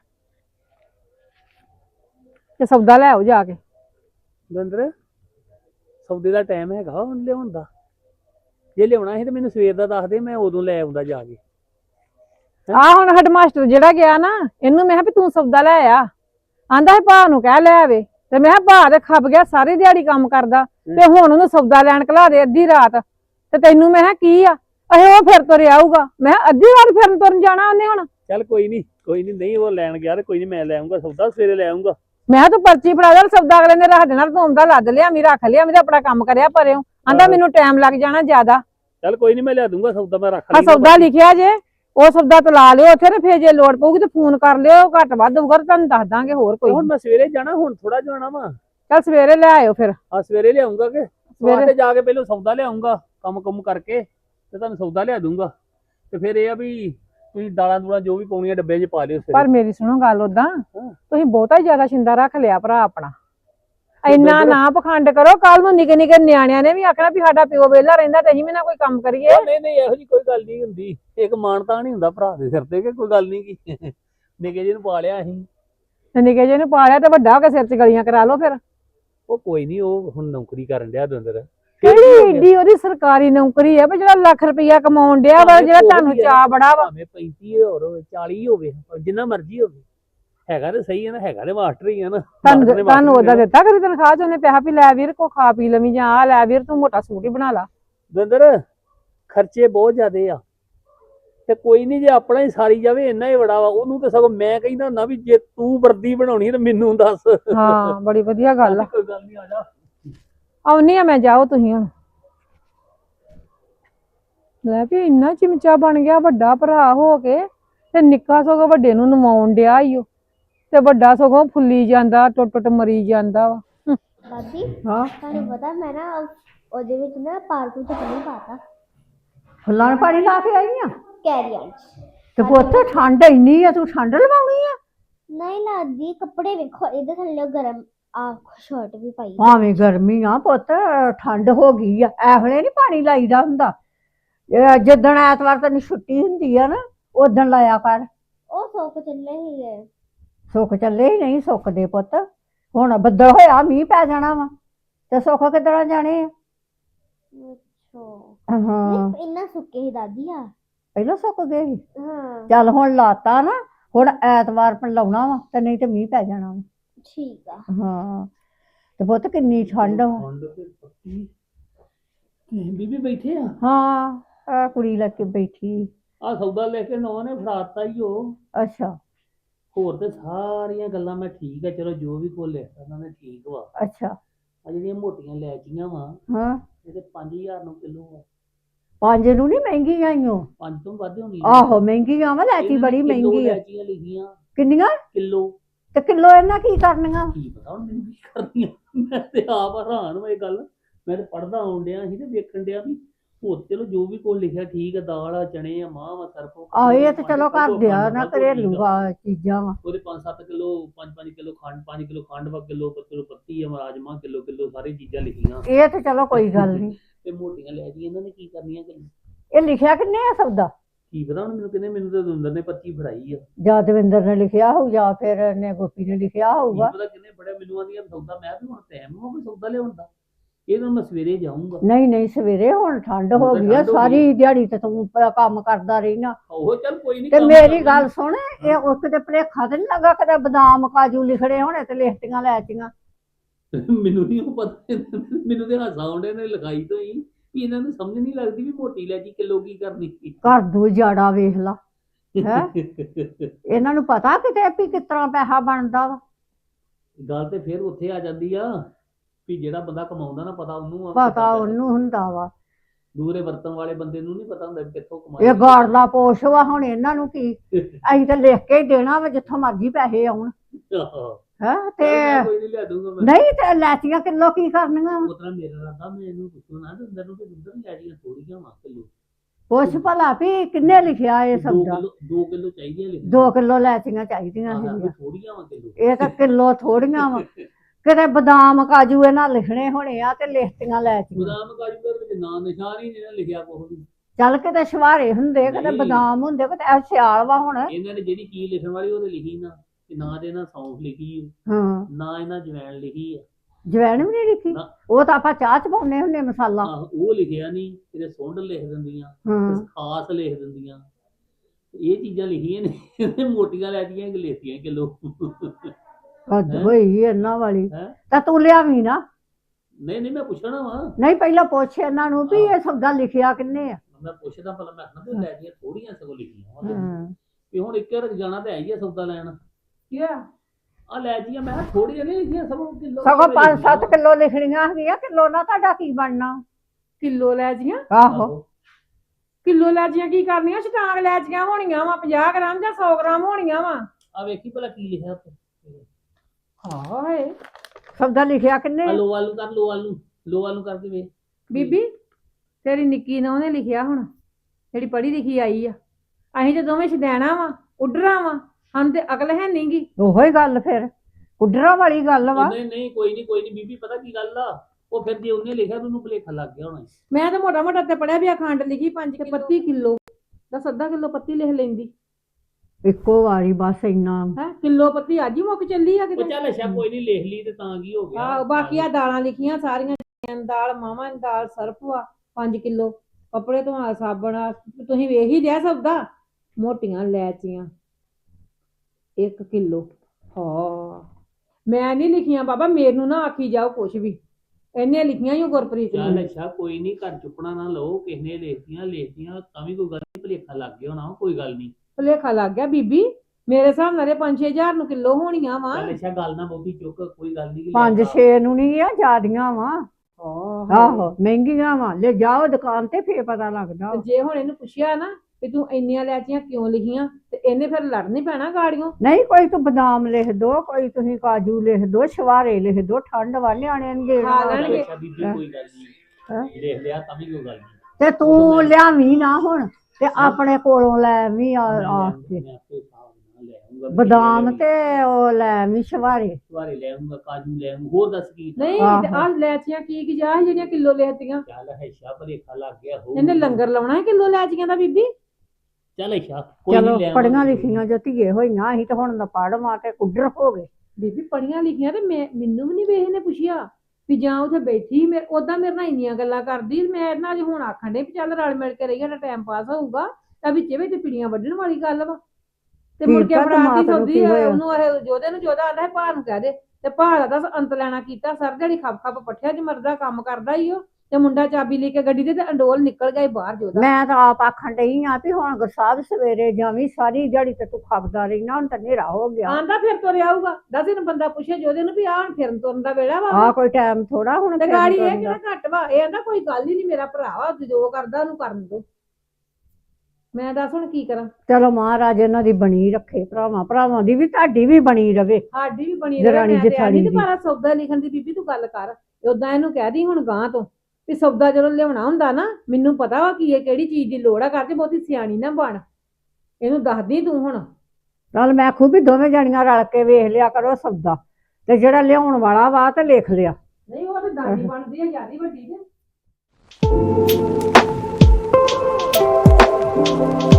[SPEAKER 4] ਤੇ ਸੌਦਾ ਲੈ ਆਓ ਜਾ ਕੇ।
[SPEAKER 5] ਦੰਦਰ ਸੌਦੇ ਦਾ ਟਾਈਮ ਹੈਗਾ ਹੁਣ ਲਿਆਉਣ ਦਾ। ਜੇ ਲਿਆਉਣਾ ਸੀ ਤੇ ਮੈਨੂੰ ਸਵੇਰ ਦਾ ਦੱਸ ਦੇ, ਮੈਂ ਉਦੋਂ ਲੈ ਆਉਂਦਾ ਜਾ ਕੇ।
[SPEAKER 4] ਆ ਹੁਣ ਹੈਡ ਮਾਸਟਰ ਜਿਹੜਾ ਗਿਆ ਨਾ, ਇਹਨੂੰ ਮੈਂ ਕਿਹਾ ਵੀ ਤੂੰ ਸੌਦਾ ਲੈ ਆ। ਆਂਦਾ ਹੈ ਭਾ ਨੂੰ ਕਹਿ ਲੈ ਆਵੇ, ਤੇ ਮੈਂ ਕਿਹਾ ਭਾ ਤੇ ਖੱਪ ਗਿਆ, ਸਾਰੀ ਦਿਹਾੜੀ ਕੰਮ ਕਰਦਾ, ਤੇ ਹੁਣ ਉਹਨੂੰ ਸੌਦਾ ਲੈਣ ਘਲਾ ਦੇ ਅੱਧੀ ਰਾਤ। ਤੇ ਤੈਨੂੰ ਮੈਂ ਕਿਹਾ ਕੀ ਆ, ਅਹੇ ਉਹ ਫਿਰ ਤੁਰ ਆਊਗਾ। ਮੈਂ ਕਿਹਾ ਅੱਧੀ ਰਾਤ ਫਿਰਨ ਤੁਰਨ ਜਾਣਾ ਉਹਨੇ ਹੁਣ।
[SPEAKER 5] ਚੱਲ ਕੋਈ ਨਹੀਂ ਕੋਈ ਨਹੀਂ, ਨਹੀਂ ਉਹ ਲੈਣ ਗਿਆ ਤੇ ਕੋਈ ਨਹੀਂ, ਮੈਂ ਲੈ ਆਉਂਗਾ ਸੌਦਾ, ਸਵੇਰੇ ਲੈ ਆਉਂਗਾ।
[SPEAKER 4] ਮੈਂ ਕਿਹਾ ਤੂੰ ਪਰਚੀ ਫੜਾ ਦੇ, ਸੌਦਾ ਅਗਲੇ ਨੇ ਰੱਖ ਦੇਣਾ, ਤੂੰ ਆਉਂਦਾ ਲੱਦ ਲਿਆ ਮੇਰਾ, ਰੱਖ ਲਿਆ ਮੇਰਾ, ਆਪਣਾ ਕੰਮ ਕਰਿਆ ਪਰਿਓ। ਆਂਦਾ ਮੈਨੂੰ ਟਾਈਮ ਲੱਗ ਜਾਣਾ ਜ਼ਿਆਦਾ।
[SPEAKER 5] ਚੱਲ ਕੋਈ ਨਹੀਂ, ਮੈਂ ਲਿਆ ਦੂੰਗਾ ਸੌਦਾ, ਮੈਂ ਰੱਖ
[SPEAKER 4] ਆ
[SPEAKER 5] ਲਈਦਾ।
[SPEAKER 4] ਸੌਦਾ ਲਿਖਿਆ ਜੇ, ਉਹ ਸੌਦਾ ਤਲਾ ਲਿਓ ਉੱਥੇ, ਤੇ ਫੇਰ ਜੇ ਲੋੜ ਪਊਗੀ ਤੇ ਫੋਨ ਕਰ ਲਿਓ, ਘੱਟ ਵੱਧ ਹੋਊਗਾ ਤੁਹਾਨੂੰ ਦੱਸ ਦਾਂਗੇ। ਹੋਰ ਕੋਈ
[SPEAKER 5] ਹੁਣ ਮੈਂ ਸਵੇਰੇ ਜਾਣਾ, ਹੁਣ ਥੋੜਾ ਜਾਣਾ ਵਾ।
[SPEAKER 4] ਚੱਲ ਸਵੇਰੇ ਲੈ ਆਇਓ ਫਿਰ।
[SPEAKER 5] ਆ ਸਵੇਰੇ ਲਿਆਉਂਗਾ ਕਿ
[SPEAKER 4] ਸਵੇਰੇ
[SPEAKER 5] ਸਵੇਰੇ ਜਾ ਕੇ ਪਹਿਲਾਂ ਸੌਦਾ ਲਿਆਉਂਗਾ, ਕੰਮ ਕੁਮ ਕਰਕੇ ਤੇ ਤੁਹਾਨੂੰ ਸੌਦਾ ਲਿਆ ਦੂੰਗਾ। ਤੇ ਫਿਰ ਇਹ ਆ ਵੀ ਤੁਸੀਂ ਦਾਲਾਂ ਦੂਲਾਂ ਜੋ ਵੀ ਪਾਉਣੀਆਂ ਡੱਬੇ 'ਚ ਪਾ ਲਿਓ ਸਵੇਰੇ।
[SPEAKER 4] ਪਰ ਮੇਰੀ ਸੁਣੋ ਗੱਲ, ਓਦਾਂ ਤੁਸੀਂ ਬਹੁਤਾ ਹੀ ਜ਼ਿਆਦਾ ਸ਼ਿੰਦਾ ਰੱਖ ਲਿਆ ਭਰਾ ਆਪਣਾ। ਇੰਨਾ ਨਾ ਪਖੰਡ ਕਰੋ, ਕੱਲ ਨੂੰ ਨਿੱਕੇ ਨਿੱਕੇ ਨਿਆਣਿਆਂ ਨੇ ਵੀ ਆਖਣਾ ਵੀ ਸਾਡਾ ਪਿਓ ਵਿਹਲਾ ਰਹਿੰਦਾ ਤੇ ਅਸੀਂ ਵੀ ਨਾ ਕੋਈ ਕੰਮ ਕਰੀਏ।
[SPEAKER 5] ਉਹ ਨਹੀਂ ਨਹੀਂ, ਇਹੋ ਜੀ ਕੋਈ ਗੱਲ ਨਹੀਂ ਹੁੰਦੀ। ਇੱਕ ਮਾਨਤਾ ਨਹੀਂ ਹੁੰਦਾ ਭਰਾ ਦੇ ਸਿਰ ਤੇ, ਕਿ ਕੋਈ ਗੱਲ ਨਹੀਂ ਕੀ ਨਿੱਕੇ ਜਿਹੇ ਨੂੰ ਪਾ ਲਿਆ ਅਸੀਂ।
[SPEAKER 4] ਤੇ ਨਿੱਕੇ ਜਿਹੇ ਨੂੰ ਪਾ ਲਿਆ ਤੇ ਵੱਡਾ ਹੋ ਕੇ ਸਿਰ 'ਚ ਗਲੀਆਂ ਕਰਾ ਲਓ ਫਿਰ।
[SPEAKER 5] ਉਹ ਕੋਈ ਨਹੀਂ, ਉਹ ਹੁਣ ਨੌਕਰੀ ਕਰਨ ਡਿਆ ਦਵਿੰਦਰ।
[SPEAKER 4] ਕਿਹੜੀ ਏਡੀ ਉਹਦੀ ਸਰਕਾਰੀ ਨੌਕਰੀ ਹੈ ਵੀ ਜਿਹੜਾ ਲੱਖ ਰੁਪਈਆ ਕਮਾਉਣ ਡਿਆ ਵਾ, ਜਿਹੜਾ ਤੁਹਾਨੂੰ ਚਾਅ ਬੜਾ ਵਾ।
[SPEAKER 5] ਭਾਵੇਂ ਪੈਂਤੀ ਹਜ਼ਾਰ ਹੋਵੇ, ਚਾਲੀ ਹੋਵੇ, ਜਿੰਨਾ ਮਰਜ਼ੀ ਹੋਵੇ, ਹੈਗਾ ਤੇ ਸਹੀ ਹੈ ਨਾ, ਹੈਗਾ ਤੇ ਮਾਸਟਰ ਹੀ ਹੈ ਨਾ।
[SPEAKER 4] ਤੁਹਾਨੂੰ ਤੁਹਾਨੂੰ ਉਹਦਾ ਦਿੱਤਾ ਕਦੀ ਤਨਖਾਹ 'ਚ ਉਹਨੇ ਪੈਸਾ ਵੀ ਲੈ ਵੀਰ ਕੋ ਖਾ ਪੀ ਲਵੀਂ, ਜਾਂ ਆ ਲੈ ਵੀਰ ਤੂੰ ਮੋਟਾ ਸੂਟ ਹੀ ਬਣਾ ਲਾ।
[SPEAKER 5] ਦਵਿੰਦਰ ਖਰਚੇ ਬਹੁਤ ਜ਼ਿਆਦੇ ਆ, ਤੇ ਕੋਈ ਨਹੀਂ ਜੇ ਆਪਣਾ ਹੀ ਸਾਰੀ ਜਾਵੇ ਇੰਨਾ ਹੀ ਬੜਾ ਵਾ। ਉਹਨੂੰ ਤੇ ਸਗੋਂ ਮੈਂ ਕਹਿੰਦਾ ਹੁੰਦਾ ਵੀ ਜੇ ਤੂੰ ਵਰਦੀ ਬਣਾਉਣੀ ਤੇ ਮੈਨੂੰ ਦੱਸ।
[SPEAKER 4] ਹਾਂ ਬੜੀ ਵਧੀਆ ਗੱਲ ਆ।
[SPEAKER 5] ਕੋਈ ਗੱਲ ਨਹੀਂ, ਆ ਜਾ।
[SPEAKER 4] ਆਉਣੀ ਆ ਮੈਂ, ਜਾਓ ਤੁਸੀਂ ਹੁਣ। ਲੈ ਵੀ ਇੰਨਾ ਚਿਮਚਾ ਬਣ ਗਿਆ ਵੱਡਾ ਭਰਾ ਹੋ ਕੇ, ਤੇ ਨਿੱਕਾ ਸਗੋਂ ਵੱਡੇ ਨੂੰ ਨਵਾਉਣ ਡਿਆ ਈ ਓ, ਤੇ ਵੱਡਾ ਸਗੋਂ ਫੁੱਲੀ ਜਾਂਦਾ, ਟੁੱਟ ਟੁੱਟ ਮਰੀ ਜਾਂਦਾ ਵਾ।
[SPEAKER 3] ਦਾਦੀ
[SPEAKER 4] ਹਾਂ
[SPEAKER 3] ਤੁਹਾਨੂੰ ਪਤਾ ਮੈਂ ਨਾ ਉਹਦੇ ਵਿੱਚ ਨਾ ਪਾਰਕ ਵਿੱਚ ਪਾਣੀ ਪਾਤਾ,
[SPEAKER 6] ਫੁੱਲਾਂ ਨੂੰ ਪਾਣੀ ਲਾ ਕੇ ਆਈ ਆ।
[SPEAKER 3] ਕੈਰੀਅਰ ਚ।
[SPEAKER 6] ਤੇ ਪੁੱਤ ਠੰਡ ਇੰਨੀ ਆ, ਤੂੰ ਠੰਡ ਲਵਾਉਣੀ ਆ।
[SPEAKER 3] ਨਹੀਂ ਲਾਦੀ, ਕੱਪੜੇ ਵੇਖੋ ਇਹਦੇ ਥੱਲੇ ਗਰਮ ਆ, ਸ਼ਰਟ ਵੀ ਪਾਈ।
[SPEAKER 6] ਭਾਵੇਂ ਗਰਮੀ ਆ ਪੁੱਤ, ਠੰਡ ਹੋ ਗਈ ਆ, ਐ ਵੇਲੇ ਨੀ ਪਾਣੀ ਲਾਈਦਾ ਹੁੰਦਾ। ਇਹ ਜਿੱਦਣ ਐਤਵਾਰ ਤੈਨੂੰ ਛੁੱਟੀ ਹੁੰਦੀ ਆ ਨਾ, ਉਦਣ ਲਾਇਆ ਕਰ।
[SPEAKER 3] ਉਹ ਸੁੱਕ ਚੱਲੇ ਹੀ ਗਏ।
[SPEAKER 6] ਸੁੱਕ ਚੱਲੇ ਹੀ ਨਹੀਂ ਸੁੱਕਦੇ ਪੁੱਤ, ਹੁਣ ਬੱਦਲ ਹੋਇਆ ਮੀਂਹ ਪੈ ਜਾਣਾ ਵਾ, ਤੇ ਸੁੱਕ ਕਿੱਦਣ ਜਾਣੇ ਆ।
[SPEAKER 3] ਅੱਛਾ
[SPEAKER 6] ਹਾਂ
[SPEAKER 3] ਇੰਨਾ ਸੁੱਕੇ ਹੀ ਦਾਦੀ ਆ।
[SPEAKER 6] ਪਹਿਲਾਂ ਸੁੱਕ ਗਏ ਸੀ।
[SPEAKER 3] ਹਾਂ
[SPEAKER 6] ਚੱਲ ਹੁਣ ਲਾਤਾ ਨਾ, ਹੁਣ ਐਤਵਾਰ ਪਰ ਲਾਉਣਾ ਵਾ, ਤੇ ਨਹੀਂ ਤੇ ਮੀਂਹ ਪੈ ਜਾਣਾ ਵਾ।
[SPEAKER 3] ਠੀਕ ਆ।
[SPEAKER 6] ਹਾਂ ਤੇ ਪੁੱਤ ਕਿੰਨੀ ਠੰਡ ਵਾ।
[SPEAKER 5] ਠੰਡ ਤੇ ਪੱਕੀ। ਬੀਬੀ ਬੈਠੇ ਆ।
[SPEAKER 6] ਹਾਂ ਆ ਕੁੜੀ ਲੈ ਕੇ ਬੈਠੀ।
[SPEAKER 5] ਆ ਸੌਦਾ ਲੈ ਕੇ ਨੌ ਨੇ ਫੜਾਤਾ ਹੀ ਉਹ।
[SPEAKER 6] ਅੱਛਾ
[SPEAKER 5] ਹੋਰ ਤੇ ਸਾਰੀਆਂ ਗੱਲਾਂ ਮੈਂ ਠੀਕ ਆ, ਚਲੋ ਜੋ ਵੀ ਕੋਲ ਲਿਖਤਾ ਉਹਨਾਂ ਨੇ ਠੀਕ ਵਾ।
[SPEAKER 6] ਅੱਛਾ
[SPEAKER 5] ਆ ਜਿਹੜੀਆਂ ਮੋਟੀਆਂ ਲੈਚੀਆਂ ਵਾ
[SPEAKER 6] ਹਾਂ
[SPEAKER 5] ਇਹ ਤੇ ਪੰਜ ਹਜ਼ਾਰ ਨੂੰ ਕਿਲੋ ਆ।
[SPEAKER 6] ਪੰਜ ਨੂੰ ਨਹੀਂ ਮਹਿੰਗੀ ਆਈਓ
[SPEAKER 5] ਪੰਜ ਤੋਂ ਵੱਧ ਹੋਣੀ
[SPEAKER 6] ਆਹੋ ਮਹਿੰਗੀ ਆ ਵਾ ਲੈਚੀ ਬੜੀ ਮਹਿੰਗੀ ਆ
[SPEAKER 5] ਲੈਚੀਆਂ ਲਿਖੀਆਂ
[SPEAKER 6] ਕਿੰਨੀਆਂ
[SPEAKER 5] ਕਿਲੋ।
[SPEAKER 6] ਤੇ ਕਿਲੋ ਇਹਨਾਂ ਕੀ ਕਰਨੀਆਂ
[SPEAKER 5] ਕੀ ਪਤਾ ਹੁਣ ਮੈਨੂੰ ਕੀ ਕਰਦੀਆਂ। ਮੈਂ ਤੇ ਆਪ ਹੈਰਾਨ ਹੋਏ ਗੱਲ। ਮੈਂ ਤੇ ਪੜਦਾ ਆਉਣ ਡਿਆ ਸੀ ਤੇ ਵੇਖਣ ਡਿਆ ਵੀ ਹੋਰ ਚਲੋ ਜੋ ਵੀ ਕੋਲ ਲਿਖਿਆ ਠੀਕ ਆ, ਦਾਲ ਆ, ਚਣੇ ਆ, ਮਾਂਹ ਵਾ, ਸਰਫ
[SPEAKER 6] ਆਹੋ ਇਹ ਤੇ ਚਲੋ ਘਰ ਦਿਆ ਨਾ ਘਰੇਲੂ ਆ ਚੀਜ਼ਾਂ ਵਾ
[SPEAKER 5] ਉਹਦੇ ਪੰਜ ਸੱਤ ਕਿਲੋ ਪੰਜ ਪੰਜ ਕਿਲੋ ਖੰਡ ਪੰਜ ਕਿਲੋ ਖੰਡ ਵਾ ਕਿਲੋ ਕਿਲੋ ਪੱਤੀ ਆ, ਰਾਜਮਾ ਕਿਲੋ ਕਿਲੋ ਸਾਰੀ ਚੀਜ਼ਾਂ ਲਿਖੀਆਂ।
[SPEAKER 6] ਇਹ ਤੇ ਚਲੋ ਕੋਈ ਗੱਲ ਨਹੀਂ
[SPEAKER 5] ਤੇ ਮੋਟੀਆਂ ਲੈ ਜੀ ਇਹਨਾਂ ਨੇ ਕੀ ਕਰਨੀਆਂ ਕਿ
[SPEAKER 6] ਇਹ ਲਿਖਿਆ ਕਿੰਨੇ ਆ ਸੌਦਾ
[SPEAKER 5] ਕੀ ਪਤਾ ਹੁਣ ਮੈਨੂੰ ਕਹਿੰਦੇ ਮੈਨੂੰ ਤਾਂ ਦਵਿੰਦਰ ਨੇ ਪੱਚੀ ਫੜਾਈ ਆ।
[SPEAKER 6] ਜਾਂ ਦਵਿੰਦਰ ਨੇ ਲਿਖਿਆ ਹੋਊ ਜਾਂ ਫਿਰ ਨੇ ਗੋਪੀ ਨੇ ਲਿਖਿਆ
[SPEAKER 5] ਕੀ
[SPEAKER 6] ਹੋਊਗਾ
[SPEAKER 5] ਪਤਾ ਕਿੰਨੇ ਬੜੇ ਮੈਨੂੰ ਆਂਦੀਆਂ ਸੌਦਾ। ਮੈਂ ਵੀ ਹੁਣ ਟਾਈਮ ਹੋ ਗਿਆ ਸੌਦਾ ਲਿਆਉਣ ਦਾ। ਇਹ ਤਾਂ ਮੈਂ ਸਵੇਰੇ ਜਾਊਂਗਾ।
[SPEAKER 6] ਨਹੀਂ ਨਹੀਂ ਸਵੇਰੇ ਹੁਣ ਠੰਡ ਹੋ
[SPEAKER 5] ਹੁਣ ਤਾਂ
[SPEAKER 6] ਗਈ ਆ
[SPEAKER 5] ਠੰਡ ਹੋ
[SPEAKER 6] ਸਾਰੀ ਦਿਹਾੜੀ ਤੇ ਤੂੰ ਪ- ਕੰਮ ਕਰਦਾ ਰਹਿਣਾ
[SPEAKER 5] ਉਹ ਚੱਲ ਕੋਈ ਨਹੀਂ।
[SPEAKER 6] ਤੇ ਮੇਰੀ ਗੱਲ ਸੁਣ ਇਹ ਉਸ ਕਿਤੇ ਭਲੇਖਾ ਤੇ ਨੀ ਲੱਗਾ ਕਦੇ ਬਦਾਮ ਕਾਜੂ ਲਿਖੜੇ ਹੋਣੇ ਤੇ ਲਿਖਤੀਆਂ ਲੈਤੀਆਂ
[SPEAKER 5] ਮੈਨੂੰ ਨਹੀਂ ਉਹ ਪਤਾ। ਮੈਨੂੰ ਤੇ ਹਾਸਾ ਆਉਂਦੇ ਨੇ ਲਿਖਾਈ ਤੋਂ ਹੀ ਵੀ ਇਹਨਾਂ ਨੂੰ ਸਮਝ ਨਹੀਂ ਲੱਗਦੀ ਵੀ ਮੋਟੀ ਲੈਚੀ ਕਿਲੋ ਕੀ ਕਰਨੀ।
[SPEAKER 6] ਘਰ ਦੂ ਜਾੜਾ ਵੇਖ ਲਾ ਹੈ ਇਹਨਾਂ ਨੂੰ ਪਤਾ ਕਿਤੇ ਵੀ ਕਿਸ ਤਰ੍ਹਾਂ ਪੈਸਾ ਬਣਦਾ ਵਾ
[SPEAKER 5] ਗੱਲ ਤੇ ਫਿਰ ਉੱਥੇ ਆ ਜਾਂਦੀ ਆ ਵੀ ਜਿਹੜਾ ਬੰਦਾ ਕਮਾਉਂਦਾ ਨਾ ਪਤਾ ਉਹਨੂੰ ਆ।
[SPEAKER 6] ਪਤਾ ਉਹਨੂੰ ਹੁੰਦਾ ਵਾ
[SPEAKER 5] ਦੂਰੇ ਵਰਤਣ ਵਾਲੇ ਬੰਦੇ ਨੂੰ ਨਹੀਂ ਪਤਾ ਹੁੰਦਾ ਵੀ ਕਿੱਥੋਂ
[SPEAKER 6] ਇਹ
[SPEAKER 5] ਕਮਾਇਆ।
[SPEAKER 6] ਗਾੜਲਾ ਪੋਸ਼ ਵਾ ਹੁਣ ਇਹਨਾਂ ਨੂੰ ਕੀ ਅਸੀਂ ਤਾਂ ਲਿਖ ਕੇ ਹੀ ਦੇਣਾ ਵਾ ਜਿੱਥੋਂ ਮਰਜ਼ੀ ਪੈਸੇ ਆਉਣ ਹੈ ਤੇ
[SPEAKER 5] ਮੈਂ ਕੋਈ ਨਹੀਂ ਲਿਆ ਦੂੰਗਾ ਮੈਂ।
[SPEAKER 6] ਨਹੀਂ ਤੇ ਲੈਤੀਆਂ ਕਿਲੋ ਕੀ ਕਰਨੀਆਂ ਵਾ?
[SPEAKER 5] ਉਤਰਾ ਮੇਰਾ ਰਾਦਾ ਮੈਂ ਇਹਨੂੰ ਪੁੱਛੂ ਨਾ ਦੰਦਰ ਨੂੰ ਕਿ ਦੰਦਰ ਲੈ ਜੀਆਂ ਥੋੜੀਆਂ ਵਾ ਕਿਲੋ।
[SPEAKER 6] ਪੁੱਛ ਭਲਾ ਵੀ ਕਿੰਨੇ ਲਿਖਿਆ ਇਹ
[SPEAKER 5] ਦੋ
[SPEAKER 6] ਸਬਦਾ
[SPEAKER 5] ਕਿਲੋ ਦੋ ਕਿਲੋ ਚਾਹੀਦੀਆਂ ਲਿਖੀਆਂ।
[SPEAKER 6] ਦੋ ਕਿਲੋ ਲੈਤੀਆਂ ਚਾਹੀਦੀਆਂ
[SPEAKER 5] ਆਹ,
[SPEAKER 6] ਸੀਗੀਆਂ
[SPEAKER 5] ਥੋੜੀਆਂ ਵਾ ਕਿਲੋ।
[SPEAKER 6] ਇਹ ਤਾਂ ਕਿਲੋ ਥੋੜੀਆਂ ਵਾ ਕਿਤੇ ਬਦਾਮ ਕਾਜੂ ਇਹਨਾਂ ਲਿਖਣੇ ਹੋਣੇ ਆ ਤੇ ਲਿਖਤੀਆਂ ਲੈਤੀਆਂ
[SPEAKER 5] ਬਦਾਮ ਕਾਜੂ ਦੇ ਵਿੱਚ ਨਾਂ ਨਿਸ਼ਾਨ ਹੀ ਨਹੀਂ ਲਿਖਿਆ ਕੁਛ ਵੀ।
[SPEAKER 6] ਚੱਲ ਕਿਤੇ ਸ਼ਵਾਰੇ ਹੁੰਦੇ ਕਿਤੇ
[SPEAKER 5] ਨਹੀਂ।
[SPEAKER 6] ਬਦਾਮ ਹੁੰਦੇ ਕਿਤੇ ਇਹ ਸਿਆਲ ਵਾ ਹੁਣ
[SPEAKER 5] ਇਹਨਾਂ ਨੇ ਜਿਹੜੀ ਚੀਜ਼ ਲਿਖਣ ਵਾਲੀ ਉਹ ਤੇ ਲਿਖੀ ਨਾ ਤੇ ਨਾ ਦੇ ਨਾ ਸੌਂਫ ਲਿਖੀ ਆ,
[SPEAKER 6] ਹਾਂ
[SPEAKER 5] ਨਾ ਇਹਨਾਂ ਜਵੈਣ ਲਿਖੀ ਆ।
[SPEAKER 6] ਜਵੈਣ ਵੀ ਨਹੀਂ ਲਿਖੀ
[SPEAKER 5] ਨਾ।
[SPEAKER 6] ਉਹ ਤਾਂ ਆਪਾਂ ਚਾਹ ਚ ਪਾਉਂਦੇ ਹੁੰਦੇ ਮਸਾਲਾ
[SPEAKER 5] ਆਹ, ਉਹ ਲਿਖਿਆ ਨਹੀਂ। ਇਹਦੇ ਸੁੰਡ ਲਿਖ ਦਿੰਦੀਆਂ,
[SPEAKER 6] ਹਾਂ
[SPEAKER 5] ਖਾਸ ਲਿਖ ਦਿੰਦੀਆਂ। ਇਹ ਚੀਜ਼ਾਂ ਲਿਖੀਆਂ ਨੇ। ਇਹਨੇ ਮੋਟੀਆਂ ਲੈ ਜੀਆਂ ਕਿ ਲੇਤੀਆਂ ਕਿਲੋ।
[SPEAKER 6] ਹੱਦ ਹੋਈ ਇਹਨਾਂ ਵਾਲੀ
[SPEAKER 5] ਹੈਂ?
[SPEAKER 6] ਤਾਂ ਤੂੰ ਲਿਆਵੀਂ ਨਾ
[SPEAKER 5] ਨਹੀਂ ਨਹੀਂ ਮੈਂ ਪੁੱਛਣਾ ਵਾ।
[SPEAKER 6] ਨਹੀਂ ਪਹਿਲਾਂ ਪੁੱਛ ਇਹਨਾਂ ਨੂੰ ਵੀ ਇਹ ਸੌਦਾ ਲਿਖਿਆ ਕਿੰਨੇ ਆ
[SPEAKER 5] ਮੈਂ ਪੁੱਛਦਾ ਪਹਿਲਾਂ। ਮੈਂ ਆਖਣਾ ਵੀ ਲੈ ਜੀਆਂ ਥੋੜੀਆਂ ਸਗੋਂ ਲਿਖੀਆਂ ਵਾ।
[SPEAKER 6] ਹਾਂ
[SPEAKER 5] ਵੀ ਹੁਣ ਇੱਕ ਵਾਰ ਜਾਣਾ ਤਾਂ ਹੈ ਹੀ ਆ ਸੌਦਾ ਲੈਣ। ਕੀ ਆ ਆ ਲੈ ਜੀਆਂ ਮੈਂ ਥੋੜੀਆਂ ਨਹੀਂ ਲਿਖੀਆਂ ਸਗੋਂ ਕਿਲੋ।
[SPEAKER 6] ਸਗੋਂ ਪੰਜ ਸੱਤ ਕਿਲੋ ਲਿਖਣੀਆਂ ਹੈਗੀਆਂ ਕਿਲੋ ਨਾਲ ਤੁਹਾਡਾ ਕੀ ਬਣਨਾ
[SPEAKER 2] ਕਿਲੋ ਲੈ ਜੀਆਂ
[SPEAKER 6] ਆਹੋ
[SPEAKER 2] ਕਿਲੋ ਲੈ ਜੀਆਂ ਕੀ ਕਰਨੀਆਂ ਸ਼ਟਾਂਗ ਲੈ ਜੀਆਂ ਹੋਣੀਆਂ ਵਾ ਪੰਜਾਹ ਗ੍ਰਾਮ ਜਾਂ ਸੌ ਗ੍ਰਾਮ ਹੋਣੀਆਂ ਵਾ
[SPEAKER 5] ਆ ਵੇਖੀ ਭਲਾ ਕੀ ਲਿਖਿਆ ਉੱਤੇ।
[SPEAKER 2] ਹਾਏ
[SPEAKER 6] ਸੌਦਾ ਲਿਖਿਆ ਕਿੰਨੇ
[SPEAKER 5] ਆ
[SPEAKER 6] ਆ?
[SPEAKER 5] ਲੋ ਆਲੂ ਕਰ ਲੋ ਆਲੂ ਲੋ ਆਲੂ ਕਰਕੇ ਵੇਖ।
[SPEAKER 2] ਬੀਬੀ ਤੇਰੀ ਨਿੱਕੀ ਨੇ ਉਹਨੇ ਲਿਖਿਆ ਹੁਣ ਜਿਹੜੀ ਪੜ੍ਹੀ ਲਿਖੀ ਆਈ ਆ ਅਸੀਂ ਤੇ ਦੋਵੇਂ ਛਦੈਣਾ ਵਾ ਉੱਡਰਾਂ ਵਾ ਸਾਨੂੰ ਤੇ ਅਕਲ ਹੈ ਨਹੀਂਗੀ
[SPEAKER 6] ਉਹੋ ਹੀ ਗੱਲ ਫਿਰ ਕੁੱਡਰਾਂ ਵਾਲੀ ਗੱਲ ਵਾ
[SPEAKER 5] ਨਹੀਂ ਨਹੀਂ ਕੋਈ ਨਹੀਂ ਕੋਈ ਨਹੀਂ ਬੀਬੀ ਪਤਾ ਕੀ ਗੱਲ ਆ ਉਹ ਫਿਰ ਜੇ ਉਹਨੇ ਲਿਖਿਆ ਤੁਹਾਨੂੰ ਭੁਲੇਖਾ ਲੱਗ ਗਿਆ ਹੋਣਾ।
[SPEAKER 2] ਮੈਂ ਤਾਂ ਮੋਟਾ ਮੋਟਾ ਤੇ ਪੜਿਆ ਵੀ ਆ ਖੰਡ ਲਿਖੀ ਪੰਜ ਪੱਤੀ ਕਿਲੋ ਦਸ ਅੱਧਾ ਕਿਲੋ ਪੱਤੀ ਲਿਖ ਲੈਂਦੀ
[SPEAKER 6] ਇੱਕੋ ਵਾਰੀ ਬਸ ਇੰਨਾ
[SPEAKER 2] ਹੈ ਕਿਲੋ ਪੱਤੀ ਅੱਜ ਹੀ ਮੁੱਕ ਚੱਲੀ ਆ
[SPEAKER 5] ਉਹ
[SPEAKER 2] ਕਿਤੇ
[SPEAKER 5] ਚੱਲ ਅੱਛਾ ਕੋਈ ਨਹੀਂ ਲਿਖ ਲਈ ਤੇ ਤਾਂ ਕੀ ਹੋ ਗਿਆ।
[SPEAKER 2] ਆਹ ਬਾਕੀ ਆ ਦਾਲਾਂ ਲਿਖੀਆਂ ਸਾਰੀਆਂ ਚਣਿਆਂ ਦੀ ਦਾਲ ਮਾਵਾਂ ਦੀ ਦਾਲ ਸਰਫ ਆ ਪੰਜ ਕਿਲੋ ਕੱਪੜੇ ਧੋਣ ਸਾਬਣ ਆ ਤੁਸੀਂ ਵੇਖ ਹੀ ਲਿਆ ਸਬਦਾ ਮੋਟੀਆਂ ਲੈਚੀਆਂ ਇੱਕ ਕਿਲੋ ਹਾਂ ਮੈਂ ਨਹੀਂ ਲਿਖੀਆਂ ਬਾਬਾ ਮੈਨੂੰ ਨਾ ਆਖੀ ਜਾਓ ਕੁਛ ਵੀ ਇਹਨੇ ਲਿਖੀਆਂ ਹੀ ਗੁਰਪ੍ਰੀਤ
[SPEAKER 5] ਚੱਲ
[SPEAKER 2] ਨੇ
[SPEAKER 5] ਅੱਛਾ ਕੋਈ ਨਹੀਂ ਘਰ ਚੁੱਕਣਾ ਨਾ ਲਓ ਕਿਸੇ ਨੇ ਲਿਖਤੀਆਂ ਲਿਖਤੀਆਂ ਤਾਂ ਵੀ ਕੋਈ ਗੱਲ ਨਹੀਂ ਭੁਲੇਖਾ ਲੱਗ ਗਿਆ ਹੋਣਾ ਕੋਈ ਗੱਲ ਨਹੀਂ।
[SPEAKER 2] ਭੁਲੇਖਾ ਲੱਗ ਗਿਆ ਬੀਬੀ ਮੇਰੇ ਹਿਸਾਬ ਨਾਲ ਪੰਜ ਛੇ ਹਜ਼ਾਰ ਨੂੰ ਕਿਲੋ ਹੋਣੀਆਂ ਵਾ
[SPEAKER 5] ਚੱਲ ਅੱਛਾ ਗੱਲ ਨਾ ਬਹੁਤੀ ਚੁੱਕ ਕੋਈ ਗੱਲ ਨਹੀਂ।
[SPEAKER 6] ਪੰਜ ਛੇ ਨੂੰ ਨਹੀਂ ਆ ਜ਼ਿਆਦੀਆਂ ਵਾ ਆਹੋ ਮਹਿੰਗੀਆਂ ਵਾ ਲੈ ਜਾਓ ਦੁਕਾਨ ਤੇ ਫੇਰ ਪਤਾ ਲੱਗਦਾ ਵਾ।
[SPEAKER 2] ਜੇ ਹੁਣ ਇਹਨੂੰ ਪੁੱਛਿਆ ਨਾ ਵੀ ਤੂੰ ਇੰਨੀਆਂ ਲੈਚੀਆਂ ਕਿਉਂ ਲਿਖੀਆਂ ਤੇ ਇਹਨੇ ਫਿਰ ਲੜ ਨਹੀਂ ਪੈਣਾ ਗਾੜੀਆਂ।
[SPEAKER 6] ਨਹੀਂ ਕੋਈ ਤੂੰ ਬਦਾਮ ਲਿਖ ਦੋ ਕੋਈ ਤੁਸੀਂ ਕਾਜੂ ਲਿਖ ਦੋ ਸ਼ਵਾਰੇ ਲਿਖ ਦੋ ਠੰਡ ਵਾ ਨਿਆਣਿਆਂ ਨੂੰ ਦੇਣ
[SPEAKER 2] ਖਾ
[SPEAKER 6] ਵਾਸਤੇ।
[SPEAKER 2] ਲੈਣਗੇ।
[SPEAKER 5] ਅੱਛਾ ਬੀਬੀ ਕੋਈ ਗੱਲ ਨਹੀਂ ਲਿਖ ਲਿਆ ਤਾਂ ਵੀ ਕੋਈ ਗੱਲ ਨਹੀਂ।
[SPEAKER 6] ਤੇ ਤੂੰ ਲਿਆਵੀਂ ਨਾ ਹੁਣ ਤੇ ਆਪਣੇ ਕੋਲੋਂ ਲੈ ਆਵੀਂ ਆ ਆ ਕੇ
[SPEAKER 5] ਮੈਂ ਆਪੇ ਹਿਸਾਬ ਨਾਲ ਲੈ ਆਉਂਗਾ।
[SPEAKER 6] ਬਦਾਮ ਤੇ ਉਹ ਲੈ ਆਵੀਂ ਸ਼ਵਾਰੇ
[SPEAKER 5] ਸਵਾਰੇ ਲੈ ਆਉਂਗਾ ਕਾਜੂ ਲੈ ਆਉਂਗਾ ਹੋਰ ਦੱਸ ਕੀ।
[SPEAKER 2] ਨਹੀਂ ਤੇ ਆਹ ਲੈਚੀਆਂ ਕੀ ਕੀ ਜਾ ਜਿਹੜੀਆਂ ਕਿਲੋ ਲਿਖਤੀਆਂ
[SPEAKER 5] ਚੱਲ ਅੱਛਾ ਭੁਲੇਖਾ ਲੱਗ ਗਿਆ ਹੋ।
[SPEAKER 2] ਇਹਨੇ ਲੰਗਰ ਲਾਉਣਾ ਹੈ ਕਿਲੋ ਲੈਚੀਆਂ ਦਾ ਬੀਬੀ।
[SPEAKER 5] ਚੱਲ ਅੱਛਾ ਕੋਈ
[SPEAKER 6] ਚਲੋ
[SPEAKER 5] ਨਹੀਂ ਲੈ
[SPEAKER 6] ਪੜੀਆਂ ਲਿਖੀਆਂ ਜੋ ਧੀਏ ਹੋਈਆਂ ਅਸੀਂ ਤਾਂ ਹੁਣ ਨਾ ਪੜ੍ਹਵਾ ਕੇ ਕੁੱਡਰ ਹੋ ਗਏ।
[SPEAKER 2] ਬੀਬੀ ਪੜੀਆਂ ਲਿਖੀਆਂ ਤੇ ਮੈਂ ਮੈਨੂੰ ਵੀ ਨਹੀਂ ਵੇਖ ਨੇ ਪੁੱਛਿਆ ਵੀ ਜਾਂ ਉੱਥੇ ਬੈਠੀ ਮੇਰੇ ਉਦਾਂ ਮੇਰੇ ਨਾਲ ਇੰਨੀਆਂ ਗੱਲਾਂ ਕਰਦੀ ਮੈਂ ਇਹਨਾਂ ਅੱਜ ਹੁਣ ਆਖਣ ਦੇ ਵੀ ਚੱਲ ਰਲ ਮਿਲ ਕੇ ਰਹੀਏ ਤਾਂ ਟਾਈਮ ਪਾਸ ਹੋਊਗਾ ਤਾਂ ਵਿੱਚੇ ਵਿੱਚ ਪਿੜੀਆਂ ਵੱਢਣ ਵਾਲੀ ਗੱਲ ਵਾ ਤੇ ਮੁੜ ਕੇ
[SPEAKER 6] ਠੀਕ ਆ,
[SPEAKER 2] ਫੜਾਤੀ
[SPEAKER 6] ਦਿਮਾਗ ਨੂੰ
[SPEAKER 2] ਸੌਦੀ
[SPEAKER 6] ਕੀ ਹੋਇਆ?
[SPEAKER 2] ਉਹਨੂੰ ਇਹ ਜੋਦੇ ਨੂੰ ਜੋਦਾ ਆਂਦਾ ਹੈ ਭਾਰ ਨੂੰ ਕਹਿ ਦੇ ਤੇ ਭਾਰ ਦਾ ਦੱਸ ਅੰਤ ਲੈਣਾ ਕੀਤਾ ਸਰ ਜਿਹੜੀ ਖੱਪ ਖੱਪ ਪੱਠਿਆਂ 'ਚ ਮਰਦਾ ਕੰਮ ਕਰਦਾ ਹੀ ਉਹ ਤੇ ਮੁੰਡਾ ਚਾਬੀ ਲੈ ਕੇ ਗੱਡੀ ਦੇ ਤੇ ਅੰਡੋਲ ਨਿਕਲ ਗਿਆ ਈ ਬਾਹਰ ਜੋਦਾ।
[SPEAKER 6] ਮੈਂ ਤਾਂ ਆਪ ਆਖਣ ਡਈ ਆ ਵੀ ਹੁਣ ਗੁਰਸਾਹਿਬ ਸਵੇਰੇ ਜਾਵੀਂ, ਸਾਰੀ ਦਿਹਾੜੀ ਤੇ ਤੂੰ ਖਪਦਾ ਰਹਿਣਾ, ਹੁਣ ਤਾਂ ਹਨੇਰਾ ਹੋ ਗਿਆ।
[SPEAKER 2] ਆਂਦਾ ਫਿਰ ਤੁਰ ਆਊਗਾ। ਦਸ ਇਹਨੂੰ ਬੰਦਾ ਪੁੱਛੇ ਜੋਦੇ ਨੂੰ ਵੀ ਆਹ ਹੁਣ ਫਿਰਨ ਤੁਰਨ ਦਾ ਵੇਲਾ ਵਾ
[SPEAKER 6] ਆ ਕੋਈ ਟਾਈਮ ਥੋੜਾ ਹੁਣ
[SPEAKER 2] ਤੇ
[SPEAKER 6] ਫਿਰਨ
[SPEAKER 2] ਗਾੜੀ ਇਹ
[SPEAKER 6] ਤੁਰਨ ਦਾ।
[SPEAKER 2] ਕਿਹੜਾ ਘੱਟ ਵਾ। ਇਹ ਆਂਦਾ ਕੋਈ ਗੱਲ ਹੀ ਨਹੀਂ, ਮੇਰਾ ਭਰਾ ਵਾ, ਜੋ ਕਰਦਾ ਉਹਨੂੰ ਕਰਨ ਦੋ। ਮੈਂ ਦੱਸ ਹੁਣ ਕੀ ਕਰਾਂ।
[SPEAKER 6] ਚਲੋ ਮਹਾਰਾਜ ਇਹਨਾਂ ਦੀ ਬਣੀ ਰੱਖੇ, ਭਰਾਵਾਂ ਭਰਾਵਾਂ ਦੀ ਵੀ, ਤੁਹਾਡੀ ਵੀ ਬਣੀ ਰਵੇ।
[SPEAKER 2] ਸਾਡੀ ਵੀ ਬਣੀ
[SPEAKER 6] ਦਰਾਣੀ
[SPEAKER 2] ਰਹੇ। ਮੈਂ ਤੇ
[SPEAKER 6] ਜਠਾਣੀ
[SPEAKER 2] ਆਨੀ ਤੇ
[SPEAKER 6] ਦੀ।
[SPEAKER 2] ਪਰ ਸੌਦਾ ਲਿਖਣ ਦੀ ਬੀਬੀ ਤੂੰ ਗੱਲ ਕਰ। ਉਦਾਂ ਇਹਨੂੰ ਕਹਿ ਦੀ ਹੁਣ ਗਾਂ ਤੋਂ ਵੀ ਸੌਦਾ ਜਦੋਂ ਲਿਆਉਣਾ ਹੁੰਦਾ ਨਾ, ਮੈਨੂੰ ਪਤਾ ਵਾ ਕੀ ਇਹ ਕਿਹੜੀ ਚੀਜ਼ ਦੀ ਲੋੜ ਆ, ਕਰਕੇ ਬਹੁਤੀ ਸਿਆਣੀ ਨਾ ਬਣ। ਇਹਨੂੰ ਦੱਸਦੀ ਤੂੰ ਹੁਣ।
[SPEAKER 6] ਨਾਲ ਮੈਂ ਖੂਬ ਵੀ ਦੋਵੇਂ ਜਣੀਆਂ ਰਲ ਕੇ ਵੇਖ ਲਿਆ ਕਰੋ ਸੌਦਾ, ਤੇ ਜਿਹੜਾ ਲਿਆਉਣ ਵਾਲਾ ਵਾ ਤੇ ਲਿਖ ਲਿਆ।
[SPEAKER 2] ਨਹੀਂ ਉਹ ਤੇ ਦਾਦੀ ਬਣਦੀ ਆ ਜਿਆਦੀ ਵੱਡੀ ਤੇ